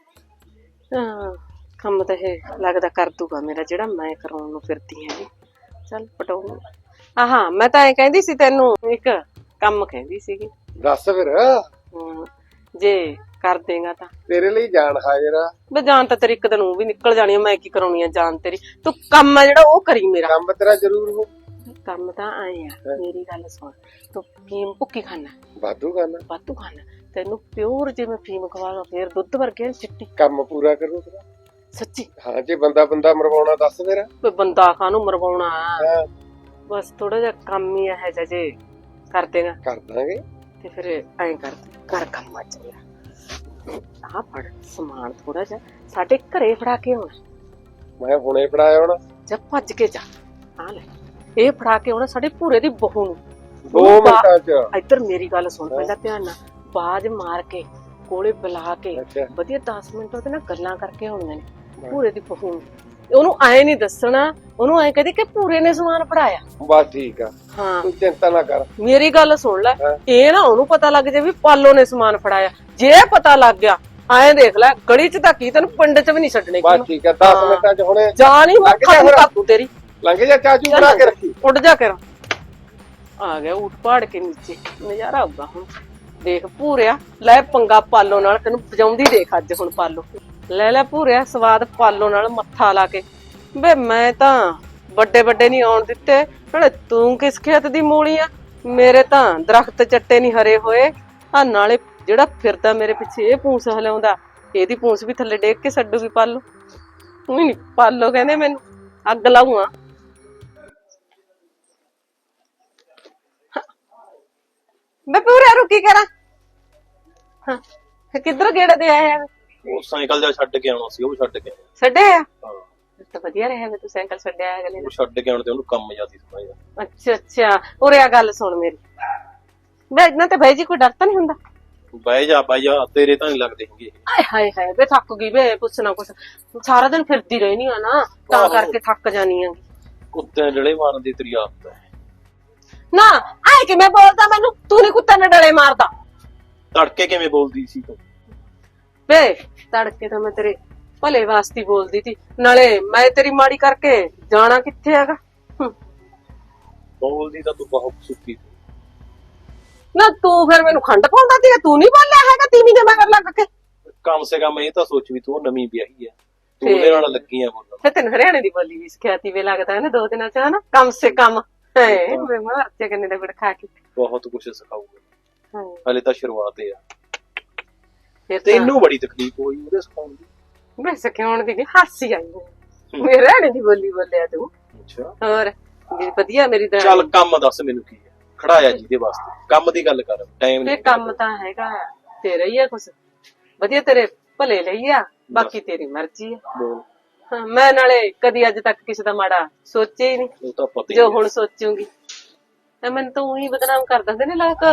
ਕੰਮ ਤਾਂ ਇਹ ਲੱਗਦਾ ਕਰ ਦੂਗਾ ਮੇਰਾ, ਜਿਹੜਾ ਮੈਂ ਕਰਾਉਣ ਨੂੰ ਫਿਰਦੀ ਹਾਂ ਜੀ। ਚੱਲ ਪਟਾਉ। ਆਹਾਂ, ਮੈਂ ਤਾਂ ਐ ਕਹਿੰਦੀ ਸੀ ਤੈਨੂੰ, ਇੱਕ ਕੰਮ ਕਹਿੰਦੀ ਸੀਗੀ। ਦੱਸ ਫਿਰ, ਜੇ ਕਰ ਦੇਗਾ ਤਾਂ ਤੇਰੇ ਲਈ ਜਾਨ ਹਾਜ਼ਰ ਆ। ਬੇ ਜਾਨ ਤਾਂ ਤੇਰੀ ਇੱਕ ਦਿਨ ਉਹ ਵੀ ਨਿਕਲ ਜਾਣੀ ਆ, ਮੈਂ ਕੀ ਕਰਾਉਣੀ ਆ ਜਾਨ ਤੇਰੀ। ਤੂੰ ਕੰਮ ਆ ਜਿਹੜਾ ਉਹ ਕਰੀ ਮੇਰਾ। ਕੰਮ ਤੇਰਾ ਜ਼ਰੂਰ ਹੋ। ਕੰਮ ਤਾਂ ਆਏ ਆ, ਮੇਰੀ ਗੱਲ ਸੁਣ। ਤੂੰ ਫੀਮ ਭੁੱਕੀ ਖਾਣਾ, ਵਾਧੂ ਕਰਨਾ, ਵਾਧੂ ਖਾਣਾ। ਤੈਨੂੰ ਪਿਓਰ ਜੇ ਮੈਂ ਫੀਮ ਖਵਾਵਾਂ, ਫੇਰ ਦੁੱਧ ਵਰਗੇ ਚਿੱਟੀ। ਕੰਮ ਪੂਰਾ ਕਰੂ ਤੇਰਾ। ਸੱਚੀ? ਹਾਂ, ਜੇ ਬੰਦਾ ਮਰਵਾਉਣਾ ਦੱਸ ਫਿਰ। ਕੋਈ ਬੰਦਾ ਕਾਹਨੂੰ ਮਰਵਾਉਣਾ, ਹਾਂ, ਬਸ ਥੋੜਾ ਜਿਹਾ ਕੰਮ ਹੀ ਇਹ ਜਿਹਾ ਜੇ ਕਰ ਦੇਗਾ ਕਰ ਦਾਂਗੇ। ਤੇ ਫਿਰ ਐਂ ਕਰ ਕੰਮ ਆ ਚੱਲਿਆ। ਆਹ ਫੜ ਸਮਾਨ ਥੋੜਾ ਜਿਹਾ ਸਾਡੇ ਘਰੇ ਫੜਾ ਕੇ ਆਉਣਾ। ਮੈਂ ਹੁਣੇ ਫੜਾਇਆ ਹੋਣਾ। ਜਾ ਭੱਜ ਕੇ ਜਾ, ਆ ਲੈ ਇਹ ਫੜਾ ਕੇ ਆਉਣਾ ਸਾਡੇ ਭੂਰੇ ਦੀ ਬਹੂ ਨੂੰ। 2 ਮਿੰਟਾਂ ਚ। ਇੱਧਰ ਮੇਰੀ ਗੱਲ ਸੁਣ ਪਹਿਲਾਂ ਧਿਆਨ ਨਾਲ। ਬਾਜ ਮਾਰ ਕੇ ਕੋਲੇ ਬੁਲਾ ਕੇ ਅੱਛਾ, ਵਧੀਆ 10 ਮਿੰਟ ਉਹਦੇ ਨਾਲ ਗੱਲਾਂ ਕਰਕੇ ਆਉਣੀਆਂ ਨੇ ਭੂਰੇ ਦੀ ਬਹੂ ਨੂੰ। ਉਹਨੂੰ ਐ ਨਹੀਂ ਦੱਸਣਾ, ਉਹਨੂੰ ਐ ਕਹਦੇ ਕਿ ਭੂਰੇ ਨੇ ਸਮਾਨ ਫੜਾਇਆ। ਬਸ ਠੀਕ ਆ, ਹਾਂ ਤੂੰ ਚਿੰਤਾ ਨਾ ਕਰ। ਮੇਰੀ ਗੱਲ ਸੁਣ ਲੈ, ਹਾਂ। ਇਹ ਨਾ ਉਹਨੂੰ ਪਤਾ ਲੱਗ ਜੇ ਵੀ ਪਾਲੋ ਨੇ ਸਮਾਨ ਫੜਾਇਆ। ਜੇ ਪਤਾ ਲੱਗ ਗਿਆ, ਐਂ ਦੇਖ ਲੈ ਗਲੀ ਚ ਤਾਂ ਕੀ, ਤੈਨੂੰ ਪਿੰਡ ਚ ਵੀ ਨਹੀਂ ਛੱਡਣੇ। ਬਸ ਠੀਕ ਆ, 10 ਮਿੰਟਾਂ ਚ ਹੁਣੇ ਜਾ ਨਹੀਂ ਤੂੰ ਤੇਰੀ ਲੰਘ ਜਾ, ਚਾਚੂ ਬਣਾ ਕੇ ਰੱਖੀ। ਉੱਡ ਜਾ ਕਰ। ਆ ਗਿਆ ਉੱਠ ਪਾੜ ਕੇ ਨੀਚੇ, ਨਜ਼ਾਰਾ ਆਊਗਾ ਹੁਣ। ਦੇਖ ਭੂਰਿਆ, ਲੈ ਪੰਗਾ ਪਾਲੋ ਨਾਲ, ਤੈਨੂੰ ਵਜਾਉਂਦੀ ਦੇਖ ਅੱਜ ਹੁਣ ਪਾਲੋ। ਲੈ ਭੂਰਿਆ ਸਵਾਦ ਪਾਲੋ ਨਾਲ ਮੱਥਾ ਲਾ ਕੇ। ਵੇ ਮੈਂ ਤਾਂ ਵੱਡੇ ਨਹੀਂ ਆਉਣ ਦਿੱਤੇ, ਨਾਲੇ ਤੂੰ ਕਿਸ ਖੇਤ ਦੀ ਮੂਲੀ ਆ? ਮੇਰੇ ਤਾਂ ਦਰਖਤ ਚੱਟੇ ਨਹੀਂ ਹਰੇ ਹੋਏ। ਆ ਨਾਲੇ ਜਿਹੜਾ ਫਿਰਦਾ ਮੇਰੇ ਪਿੱਛੇ ਇਹ ਪੂੰਛ ਹਲਾਉਂਦਾ, ਇਹਦੀ ਪੂੰਛ ਵੀ ਥੱਲੇ ਡੇਗ ਕੇ ਛੱਡੂਗੀ ਪਾਲੋ। ਤੂੰ ਹੀ ਨੀ ਪਾਲੋ ਕਹਿੰਦੇ, ਮੈਨੂੰ ਅੱਗ ਲਾਊਆਂ। ਮੈਂ ਪੂਰਾ ਰੁਕੀ ਕਰਾਂ। ਹਾਂ ਕਿੱਧਰ ਗੇੜਾ ਦੇ ਆਇਆ? ਉਹ ਸਾਈਕਲ ਜਾ ਛੱਡ ਕੇ ਆਉਣਾ ਸੀ, ਉਹ ਛੱਡ ਕੇ ਛੱਡਿਆ? ਹਾਂ, ਤਾਂ ਵਧੀਆ ਰਿਹਾ ਵੇ ਤੂੰ ਸਾਈਕਲ ਛੱਡਿਆ ਅਗਲੇ ਉਹ ਛੱਡ ਕੇ ਆਉਣ ਤੇ ਉਹਨੂੰ ਕੰਮ ਜਿਆਦਾ ਸਮਝਦਾ। ਅੱਛਾ ਉਰੇ ਆ ਗੱਲ ਸੁਣ ਮੇਰੀ। ਵੇ ਇਹਨਾਂ ਤੇ ਬਾਈ ਜੀ ਕੋਈ ਡਰ ਤਾਂ ਨਹੀਂ ਹੁੰਦਾ? ਬਹਿ ਜਾ ਤੇਰੇ ਤਾਂ ਨਹੀਂ ਲੱਗਦੇ ਹੈਗੇ। ਆਏ ਹਾਏ ਹਾਏ ਵੇ ਥੱਕ ਗਈ ਵੇ, ਪੁੱਛਣਾ ਕੁਛ, ਸਾਰਾ ਦਿਨ ਫਿਰਦੀ ਰਹਿਣੀ ਆ ਨਾ, ਤਾਂ ਆਹੋ। ਕਰਕੇ ਥੱਕ ਜਾਨੀ ਆ। ਕੁੱਤੇ ਡਲੇ ਮਾਰਨ ਦੀ ਤੇਰੀ ਆਦਤ ਹੈ। ਨਾ ਆਏ ਕਿਵੇਂ ਬੋਲਦਾ ਮੈਨੂੰ, ਤੂੰ ਨੀ ਕੁੱਤੇ ਨੇ ਡਲੇ ਮਾਰਦਾ। ਤੜਕੇ ਕਿਵੇਂ ਬੋਲਦੀ ਸੀ ਤੂੰ? ਵੇ ਤੜਕੇ ਤਾਂ ਮੈਂ ਤੇਰੇ ਭਲੇ ਵਾਸਤੇ ਬੋਲਦੀ ਸੀ, ਨਾਲੇ ਮੈਂ ਤੇਰੀ ਮਾੜੀ ਕਰਕੇ ਜਾਣਾ ਕਿੱਥੇ ਹੈਗਾ। ਬੋਲਦੀ ਤਾਂ ਤੂੰ ਬਹੁਤ ਸੁੱਕੀ ਸੀ। ਨਾ ਤੂੰ ਫਿਰ ਮੈਨੂੰ ਖੰਡ ਪਾਉਂਦਾ ਸੀ, ਤੂੰ ਨਹੀਂ ਬੋਲਿਆ ਹੈਗਾ ਤੀਵੀਂ ਦੇ ਮਗਰ ਲੱਗ ਕੇ। ਕਮ ਸੇ ਕਮ ਇਹ ਤਾਂ ਸੋਚ ਵੀ ਤੂੰ ਨਵੀਂ ਵਿਆਹੀ ਹੈ, ਤੂੰ ਫੇਰ? ਉਹਦੇ ਨਾਲ ਲੱਗੀ ਆ ਬੋਲਣ। ਫਿਰ ਤੈਨੂੰ ਹਰਿਆਣੇ ਦੀ ਬੋਲੀ ਵੀ ਸਿਖਾਤੀ ਵੇ ਲੱਗਦਾ ਹੈ ਨਾ 2 ਦਿਨਾਂ ਚ, ਹਨਾ ਕਮ ਸੇ ਕਮ। ਹੈ ਵੇ ਮਾਰ ਤੇ ਕੰਨੇ ਦਾ ਗੁੜ ਖਾ ਕੇ। ਬਹੁਤ ਕੁਝ ਸਿਖਾਊਗਾ, ਹਾਂ ਹਲੇ ਤਾਂ ਸ਼ੁਰੂਆਤ ਹੈ। ਫਿਰ ਤੈਨੂੰ ਬੜੀ ਤਕਲੀਫ ਹੋਈ ਉਹਦੇ ਸਿਖਾਉਣ ਦੀ। ਮੈਂ ਸਿਖਾਉਣ ਦੀ ਹਾਸੀ ਆਈ ਮੇਰੇ ਹਰਿਆਣੇ ਦੀ ਬੋਲੀ ਬੋਲਿਆ ਤੂੰ। ਅੱਛਾ ਹੋਰ ਮੇਰੀ ਵਧੀਆ ਮੇਰੀ ਦਾ ਚੱਲ ਕੰਮ ਦੱਸ ਮੈਨੂੰ ਕੀ ਹੈ, ਖੜਾਇਆ ਜਿਹਦੇ ਵਾਸਤੇ, ਕੰਮ ਦੀ ਗੱਲ ਕਰ, ਟਾਈਮ ਇਹ ਨਹੀਂ। ਕੰਮ ਤਾਂ ਹੈਗਾ ਤੇਰਾ ਹੀ ਆ, ਕੁਛ ਵਧੀਆ ਤੇਰੇ ਭਲੇ ਲਈ ਆ, ਬਾਕੀ ਤੇਰੀ ਮਰਜ਼ੀ ਆ। ਬੋਲ। ਹਾਂ, ਮੈਂ ਨਾਲੇ ਕਦੀ ਅੱਜ ਤੱਕ ਕਿਸੇ ਦਾ ਮਾੜਾ ਸੋਚਿਆ ਹੀ ਨਹੀਂ, ਉਹ ਤਾਂ ਪਤਾ ਹੀ ਜੋ ਹੈ। ਹੁਣ ਸੋਚੂਗੀ ਤਾਂ ਮੈਨੂੰ ਤਾਂ ਉਹੀ ਬਦਨਾਮ ਕਰ ਦਿੰਦੇ ਨੇ ਲੋਕ।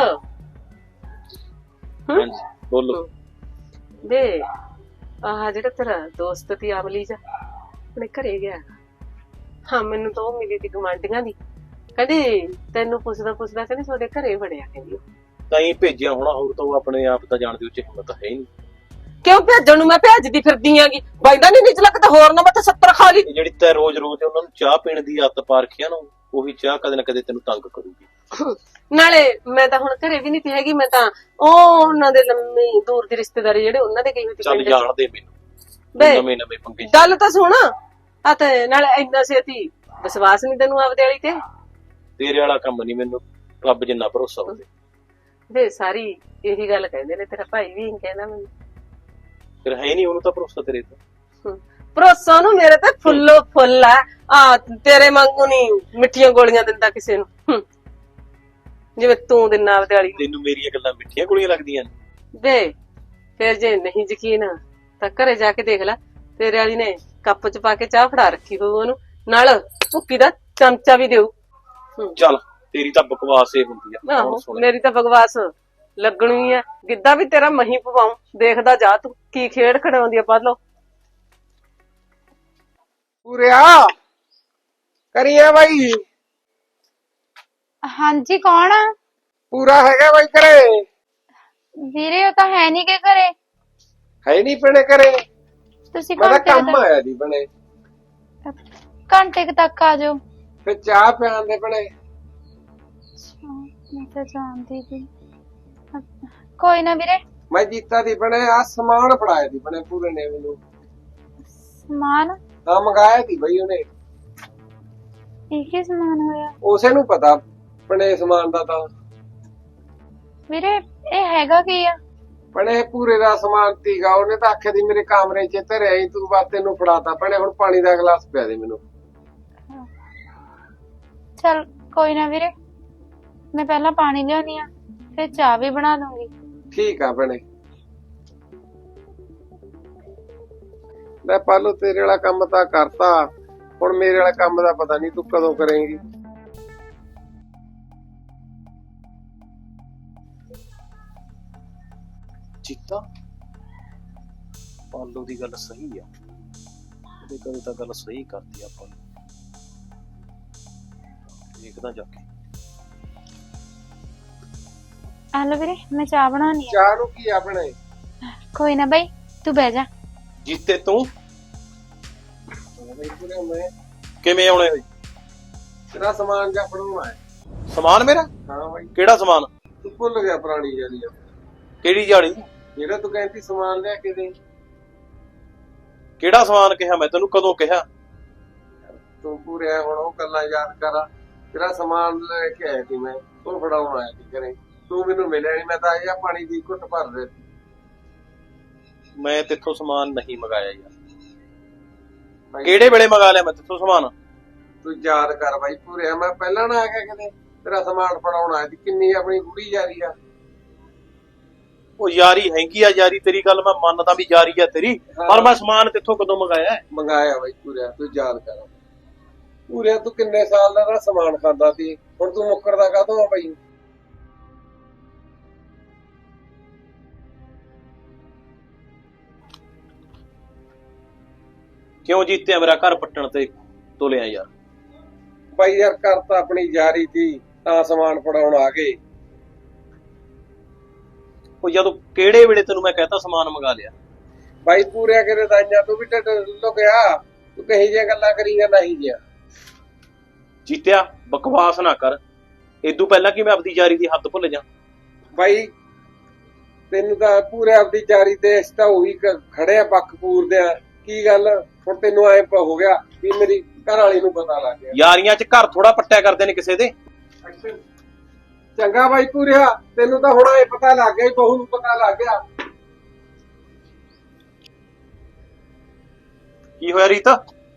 ਹਾਂਜੀ ਬੋਲੋ। ਵੇ ਆਹ ਜਿਹੜਾ ਤੇਰਾ ਦੋਸਤ ਤੀ ਅਮਲੀ ਜਾ ਆਪਣੇ ਘਰੇ ਗਿਆ, ਹਾਂ ਮੈਨੂੰ ਤਾਂ ਉਹ ਮਿਲੀ ਤੀ ਗੁਆਂਢੀਆਂ ਦੀ, ਕਹਿੰਦੀ ਤੈਨੂੰ ਪੁੱਛਦਾ ਕਹਿੰਦੀ ਤੁਹਾਡੇ ਘਰੇ ਵੜਿਆ, ਕਹਿੰਦੀ ਉਹ। ਤਾਂ ਹੀ ਭੇਜਿਆ ਹੋਣਾ, ਹੋਰ ਤਾਂ ਉਹ ਆਪਣੇ ਆਪ ਤਾਂ ਜਾਣਦੇ ਉੱਚ ਹਿੰਮਤ ਹੈ ਹੀ ਨਹੀਂ। ਕਿਉਂ ਭੇਜਣ ਨੂੰ ਮੈਂ ਭੇਜਦੀ ਫਿਰਦੀ ਆਂਗੀ, ਬਾਈਦਾ ਨਹੀਂ ਨਿਚਲਾ ਕਿਤੇ ਹੋਰ ਨਾ ਮੈਂ ਤਾਂ 70 ਖਾ ਲਈ। ਇਹ ਜਿਹੜੀ ਤੈ ਰੋਜ਼ ਉਹਨਾਂ ਨੂੰ ਚਾਹ ਪੀਣ ਦੀ ਆਦਤ ਪਾ ਰੱਖੀ ਆ ਨਾ, ਉਹੀ ਚਾਹ ਕਦੇ ਨਾ ਕਦੇ ਤੈਨੂੰ ਤੰਗ ਕਰੂਗੀ। ਨਾਲੇ ਮੈਂ ਤਾਂ ਹੁਣ ਘਰੇ ਵੀ ਨਹੀਂ ਤੀ ਹੈਗੀ, ਮੈਂ ਤਾਂ ਉਹ ਉਹਨਾਂ ਦੇ ਲੰਮੀ ਦੂਰ ਦੀ ਰਿਸ਼ਤੇਦਾਰੀ ਜਿਹੜੇ ਉਹਨਾਂ ਦੇ ਗਈ ਹੋਈ ਤੀ ਚੱਲ ਪਿੰਡ। ਜਾਣ ਦੇ ਮੈਨੂੰ, ਵੇ ਨਵੇਂ ਪੰਗੇ ਚ। ਗੱਲ ਤਾਂ ਸੁਣ ਆ, ਤੇ ਨਾਲੇ ਇੰਨਾ ਛੇਤੀ ਵਿਸ਼ਵਾਸ ਨਹੀਂ ਤੈਨੂੰ ਆਪਦੇ ਵਾਲੀ ਤੇ। ਤੇਰੇ ਵਾਲਾ ਕੰਮ ਨਹੀਂ ਮੈਨੂੰ ਰੱਬ ਜਿੰਨਾ ਭਰੋਸਾ ਹੋਵੇ। ਵੇ ਸਾਰੀ ਇਹੀ ਗੱਲ ਕਹਿੰਦੇ ਨੇ, ਤੇਰਾ ਭਾਈ ਵੀ ਇਹੀ ਕਹਿੰਦਾ ਮੈਨੂੰ। ਫਿਰ ਹੈ ਨਹੀਂ ਉਹਨੂੰ ਤਾਂ ਭਰੋਸਾ ਤੇਰੇ ਤੇ। ਭਰੋਸਾ ਨੂੰ ਮੇਰੇ ਤੇ ਫੁੱਲੋ ਫੁੱਲ ਆ ਤੇਰੇ ਵਾਂਗੂ ਨਹੀਂ ਮਿੱਠੀਆਂ ਗੋਲੀਆਂ ਦਿੰਦਾ ਕਿਸੇ ਨੂੰ, ਜਿਵੇਂ ਤੂੰ ਦਿੰਦਾ ਆਪਦੇ ਵਾਲੀ ਨੂੰ। ਤੈਨੂੰ ਮੇਰੀਆਂ ਗੱਲਾਂ ਮਿੱਠੀਆਂ ਗੋਲੀਆਂ ਲੱਗਦੀਆਂ ਨੇ? ਵੇ ਫਿਰ ਜੇ ਨਹੀਂ ਯਕੀਨ ਤਾਂ ਘਰੇ ਜਾ ਕੇ ਦੇਖ ਲੈ, ਤੇਰੇ ਵਾਲੀ ਨੇ ਕੱਪ ਚ ਪਾ ਕੇ ਚਾਹ ਫੜਾ ਰੱਖੀ ਹੋਊ ਉਹਨੂੰ, ਨਾਲ ਭੁੱਕੀ ਦਾ ਚਮਚਾ ਵੀ ਦੇਊ। ਚੱਲ ਤੇਰੀ ਤਾਂ ਬਕਵਾਸ ਏ ਹੁੰਦੀ ਆ। ਆਹੋ ਕੌਣ ਸੁਣੇ? ਮੇਰੀ ਤਾਂ ਬਕਵਾਸ ਲੱਗਣੀ ਆ, ਗਿੱਧਾ ਵੀ ਤੇਰਾ ਮਹੀਂ ਪਵਾਉ, ਦੇਖਦਾ ਜਾ ਤੂੰ ਕੀ ਖੇਡ ਖੜਾਉਂਦੀ ਆ। ਪਾ ਲੋ ਪੂਰਿਆ ਕਰੀਏ ਬਾਈ, ਹਾਂਜੀ ਕੌਣ ਆ? ਪੂਰਾ ਹੈਗਾ ਬਾਈ ਘਰੇ? ਵੀਰੇ ਉਹ ਤਾਂ ਹੈ ਨਹੀਂ ਕਿ ਘਰੇ। ਹੈ ਨਹੀਂ ਪਣੇ ਘਰੇ? ਤੁਸੀਂ ਮੈਂ ਤਾਂ ਘੰਟੇ ਕੰਮ ਆਇਆ ਜੀ ਬਣੇ, ਘੰਟੇ ਕੁ ਤੱਕ ਆ ਜਾਓ। ਫਿਰ ਚਾਹ ਪਿਆਣ ਦੇ ਬਣੇ। ਮੈਂ ਤਾਂ ਜਾਣਦੀ ਸੀ। ਕੋਈ ਨਾ ਵੀਰੇ। ਮੈਂ ਜੀਤਾ ਦੀ ਬਣੇ ਆ ਸਮਾਨ ਫੜਾਇਆ ਦੀ ਬਣੇ ਪੂਰੇ ਨੇ ਮੈਨੂੰ। ਸਮਾਨ? ਹਾਂ ਮੰਗਾਇਆ ਦੀ ਬਈ ਉਹਨੇ। ਇਹ ਕੀ ਸਮਾਨ ਹੋਇਆ ਉਸੇ ਨੂੰ ਪਤਾ ਬਣੇ ਸਮਾਨ ਦਾ ਤਾਂ। ਵੀਰੇ? ਇਹ ਹੈਗਾ ਕੀ ਆ? ਬਣੇ ਪੂਰੇ ਦਾ ਸਮਾਨ ਤੀਗਾ, ਉਹਨੇ ਤਾਂ ਆਖਿਆ ਦੀ ਮੇਰੇ ਕਮਰੇ 'ਚ ਧਰਿਆ ਹੀ, ਤੂੰ ਬਸ ਤੈਨੂੰ ਫੜਾਤਾ ਬਣੇ। ਹੁਣ ਪਾਣੀ ਦਾ ਗਲਾਸ ਪਿਆ ਦੇ ਮੈਨੂੰ। ਚਲ ਕੋਈ ਨਾ ਵੀਰੇ, ਮੈਂ ਪਹਿਲਾਂ ਪਾਣੀ ਲਿਆਉਣੀ ਆ, ਫਿਰ ਚਾਹ ਵੀ ਬਣਾ ਦੂੰਗੀ। ਠੀਕ ਆ ਬਣੇ। ਲੈ ਪਾਲੋ ਤੇਰੇ ਵਾਲਾ ਕੰਮ ਤਾਂ ਕਰਤਾ, ਹੁਣ ਮੇਰੇ ਵਾਲਾ ਕੰਮ ਦਾ ਪਤਾ ਨਹੀਂ ਤੂੰ ਕਦੋਂ ਕਰੇਂਗੀ। ਚੀਤਾ ਪਾਲੋ ਦੀ ਗੱਲ ਸਹੀ ਆ, ਉਹਦੇ ਕਦੇ ਤਾਂ ਗੱਲ ਸਹੀ ਕਰਦੀ ਆਪਾਂ ਨੂੰ। ਦੇਖਦਾ ਜਾ ਕੇ। ਆ ਲਓ ਵੀਰੇ, ਮੈਂ ਚਾਹ ਬਣਾਉਣੀ ਆ। ਚਾਹ ਨੂੰ ਕੀ ਆ ਬਣੇ? ਕੋਈ ਨਾ ਬਾਈ, ਤੂੰ ਬਹਿ ਜਾ। ਜੀਤੇ ਤੂੰ ਮੈਂ ਕਿਵੇਂ ਆਉਣੇ ਹੋਏ? ਤੇਰਾ ਸਮਾਨ ਜਾਂ ਫੜਾਉਣਾ ਹੈ। ਸਮਾਨ ਮੇਰਾ? ਹਾਂ ਬਾਈ। ਕਿਹੜਾ ਸਮਾਨ? ਤੂੰ ਭੁੱਲ ਗਿਆ ਪੁਰਾਣੀ ਜਾਲੀ ਆ, ਕਿਹੜੀ ਜਾਲੀ? ਜਿਹੜਾ ਤੂੰ ਕਹਿੰਦੀ ਸਮਾਨ ਲਿਆ ਕੇ ਦੇ। ਕਿਹੜਾ ਸਮਾਨ ਕਿਹਾ ਮੈਂ ਤੈਨੂੰ? ਕਦੋਂ ਕਿਹਾ? ਤੂੰ ਪੂਰੇ ਹੁਣ ਉਹ ਗੱਲਾਂ ਯਾਦ ਕਰ। ਤੇਰਾ ਸਮਾਨ ਲੈ ਕੇ ਆਇਆ ਸੀ ਮੈਂ, ਤੂੰ ਫੜਾਉਣ ਆਇਆ ਸੀ ਘਰੇ, ਤੂੰ ਮੈਨੂੰ ਮਿਲਿਆ ਨਹੀਂ। ਮੈਂ ਤਾਂ ਆਇਆ ਪਾਣੀ ਦੀ ਘੁੱਟ ਭਰ ਦੇ। ਮੈਂ ਤੇਥੋਂ ਸਮਾਨ ਨਹੀਂ ਮੰਗਾਇਆ ਯਾਰ। ਕਿਹੜੇ ਵੇਲੇ ਮੰਗਾ ਲਿਆ ਮੈਂ ਤੇਥੋਂ ਸਮਾਨ? ਤੂੰ ਯਾਦ ਕਰ ਬਾਈ ਪੂਰੇ, ਮੈਂ ਪਹਿਲਾਂ ਨਾ ਆ ਗਿਆ ਕਿਤੇ ਤੇਰਾ ਸਮਾਨ ਫੜਾਉਣ ਆਇਆ ਸੀ। ਕਿੰਨੀ ਆਪਣੀ ਬੁੜੀ ਯਾਰੀ ਆ। ਉਹ ਯਾਰੀ ਹੈਗੀ ਆ, ਯਾਰੀ ਤੇਰੀ ਗੱਲ ਮੈਂ ਮੰਨਦਾ ਵੀ ਯਾਰੀ ਆ ਤੇਰੀ, ਪਰ ਮੈਂ ਸਮਾਨ ਤੇਥੋਂ ਕਦੋਂ ਮੰਗਾਇਆ? ਮੰਗਾਇਆ ਬਾਈ ਪੂਰੇ, ਤੂੰ ਯਾਦ ਕਰ। ਪੂਰੇ ਤੂੰ ਕਿੰਨੇ ਸਾਲ ਦਾ ਸਮਾਨ ਖਾਂਦਾ ਸੀ, ਹੁਣ ਤੂੰ ਮੁੱਕਰਦਾ ਕਾਹਤੋਂ ਆ ਬਾਈ? ਕਿਉਂ ਜੀਤਿਆ ਮੇਰਾ ਘਰ ਪੱਟਣ ਤੇ ਤੋਲਿਆ ਯਾਰ? ਬਾਈ ਯਾਰ ਕਰ ਤਾਂ ਆਪਣੀ ਜਾਰੀ ਸੀ ਤਾਂ ਸਮਾਨ ਫੜਾਉਣ ਆ ਗਏ। ਉਹ ਜਦੋਂ ਕਿਹੜੇ ਵੇਲੇ ਤੈਨੂੰ ਮੈਂ ਕਹਤਾ ਸਮਾਨ ਮੰਗਾ ਲਿਆ? ਬਾਈ ਪੂਰਿਆ ਕਰੇ ਦਾਈਆਂ ਤੂੰ ਵੀ ਢਿੱਡ ਲੁਕਿਆ, ਤੂੰ ਕਹੀ ਜਿਹੀਆਂ ਗੱਲਾਂ ਕਰੀ ਜਾਂਦਾ ਨਹੀਂ ਜਿਆ। ਜੀਤਿਆ ਬਕਵਾਸ ਨਾ ਕਰ, ਇਦੋਂ ਪਹਿਲਾਂ ਕਿ ਮੈਂ ਆਪਦੀ ਯਾਰੀ ਦੀ ਹੱਦ ਭੁੱਲ ਜਾ। ਬਾਈ ਤੈਨੂੰ ਤਾਂ ਪੂਰੇ ਆਪਦੀ ਜਾਰੀ ਤੇ ਇਸ ਤਾਂ ਉਹੀ ਖੜਿਆ ਪੱਖ ਪੂਰਦੇ ਆ। ਕੀ ਗੱਲ ਹੁਣ ਤੈਨੂੰ ਐ ਹੋ ਗਿਆ ਵੀ ਮੇਰੀ ਘਰ ਵਾਲੀ ਨੂੰ ਪਤਾ ਲੱਗ ਗਿਆ? ਯਾਰੀਆਂ 'ਚ ਘਰ ਥੋੜਾ ਪੱਟਿਆ ਕਰਦੇ ਨੇ ਕਿਸੇ ਦੇ। ਚੰਗਾ ਬਾਈ ਪੂਰਿਆ, ਤੈਨੂੰ ਤਾਂ ਹੁਣ ਐ ਪਤਾ ਲੱਗ ਗਿਆ, ਬਹੂ ਨੂੰ ਪਤਾ ਲੱਗ ਗਿਆ। ਕੀ ਹੋਇਆ ਰੀਤਾ?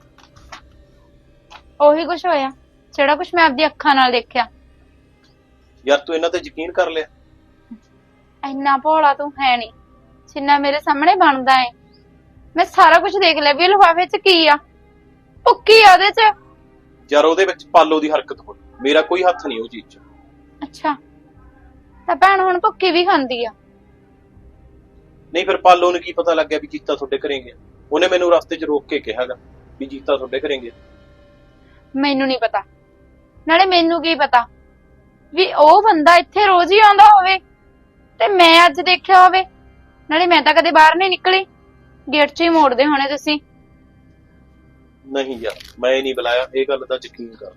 ਉਹੀ ਕੁਛ ਹੋਇਆ ਜਿਹੜਾ ਕੁਛ ਮੈਂ ਆਪਦੀ ਅੱਖਾਂ ਨਾਲ ਦੇਖਿਆ। ਯਾਰ ਤੂੰ ਇਹਨਾਂ ਤੇ ਯਕੀਨ ਕਰ ਲਿਆ? ਇੰਨਾ ਭੋਲਾ ਤੂੰ ਹੈ ਨਹੀਂ ਜਿੰਨਾ ਮੇਰੇ ਸਾਹਮਣੇ ਬਣਦਾ ਏ। ਮੈਂ ਸਾਰਾ ਕੁਝ ਦੇਖ ਲਿਆ ਵੀ ਲਿਫਾਫੇ 'ਚ ਕੀ ਆ, ਭੁੱਕੀ ਆ ਉਹਦੇ 'ਚ। ਯਾਰ ਉਹਦੇ ਵਿੱਚ ਪਾਲੋ ਦੀ ਹਰਕਤ ਹੋਈ, ਮੇਰਾ ਕੋਈ ਹੱਥ ਨਹੀਂ ਉਹ ਚੀਜ਼ 'ਚ। ਅੱਛਾ ਤਾਂ ਭੈਣ ਹੁਣ ਭੁੱਕੀ ਵੀ ਖਾਂਦੀ ਆ? ਨਹੀਂ ਫਿਰ ਪਾਲੋ ਨੂੰ ਕੀ ਪਤਾ ਲੱਗਿਆ ਵੀ ਜੀਤਾ ਤੁਹਾਡੇ ਘਰੇ ਗਿਆ? ਉਹਨੇ ਮੈਨੂੰ ਰਸਤੇ 'ਚ ਰੋਕ ਕੇ ਕਿਹਾਗਾ ਵੀ ਜੀਤਾ ਤੁਹਾਡੇ ਘਰੇ ਗਿਆ। ਮੈਨੂੰ ਨਹੀਂ ਪਤਾ, ਨਾਲੇ ਮੈਨੂੰ ਕੀ ਪਤਾ ਵੀ ਉਹ ਬੰਦਾ ਇੱਥੇ ਰੋਜ਼ ਹੀ ਆਉਂਦਾ ਹੋਵੇ ਤੇ ਮੈਂ ਅੱਜ ਦੇਖਿਆ ਹੋਵੇ। ਨਾਲੇ ਮੈਂ ਤਾਂ ਕਦੇ ਬਾਹਰ ਨਹੀਂ ਨਿਕਲੀ, ਗੇਟ 'ਚ ਹੀ ਮੋੜਦੇ ਹੋਣੇ ਤੁਸੀਂ। ਨਹੀਂ ਯਾਰ ਮੈਂ ਨਹੀਂ ਬੁਲਾਇਆ, ਇਹ ਗੱਲ ਦਾ ਯਕੀਨ ਕਰ।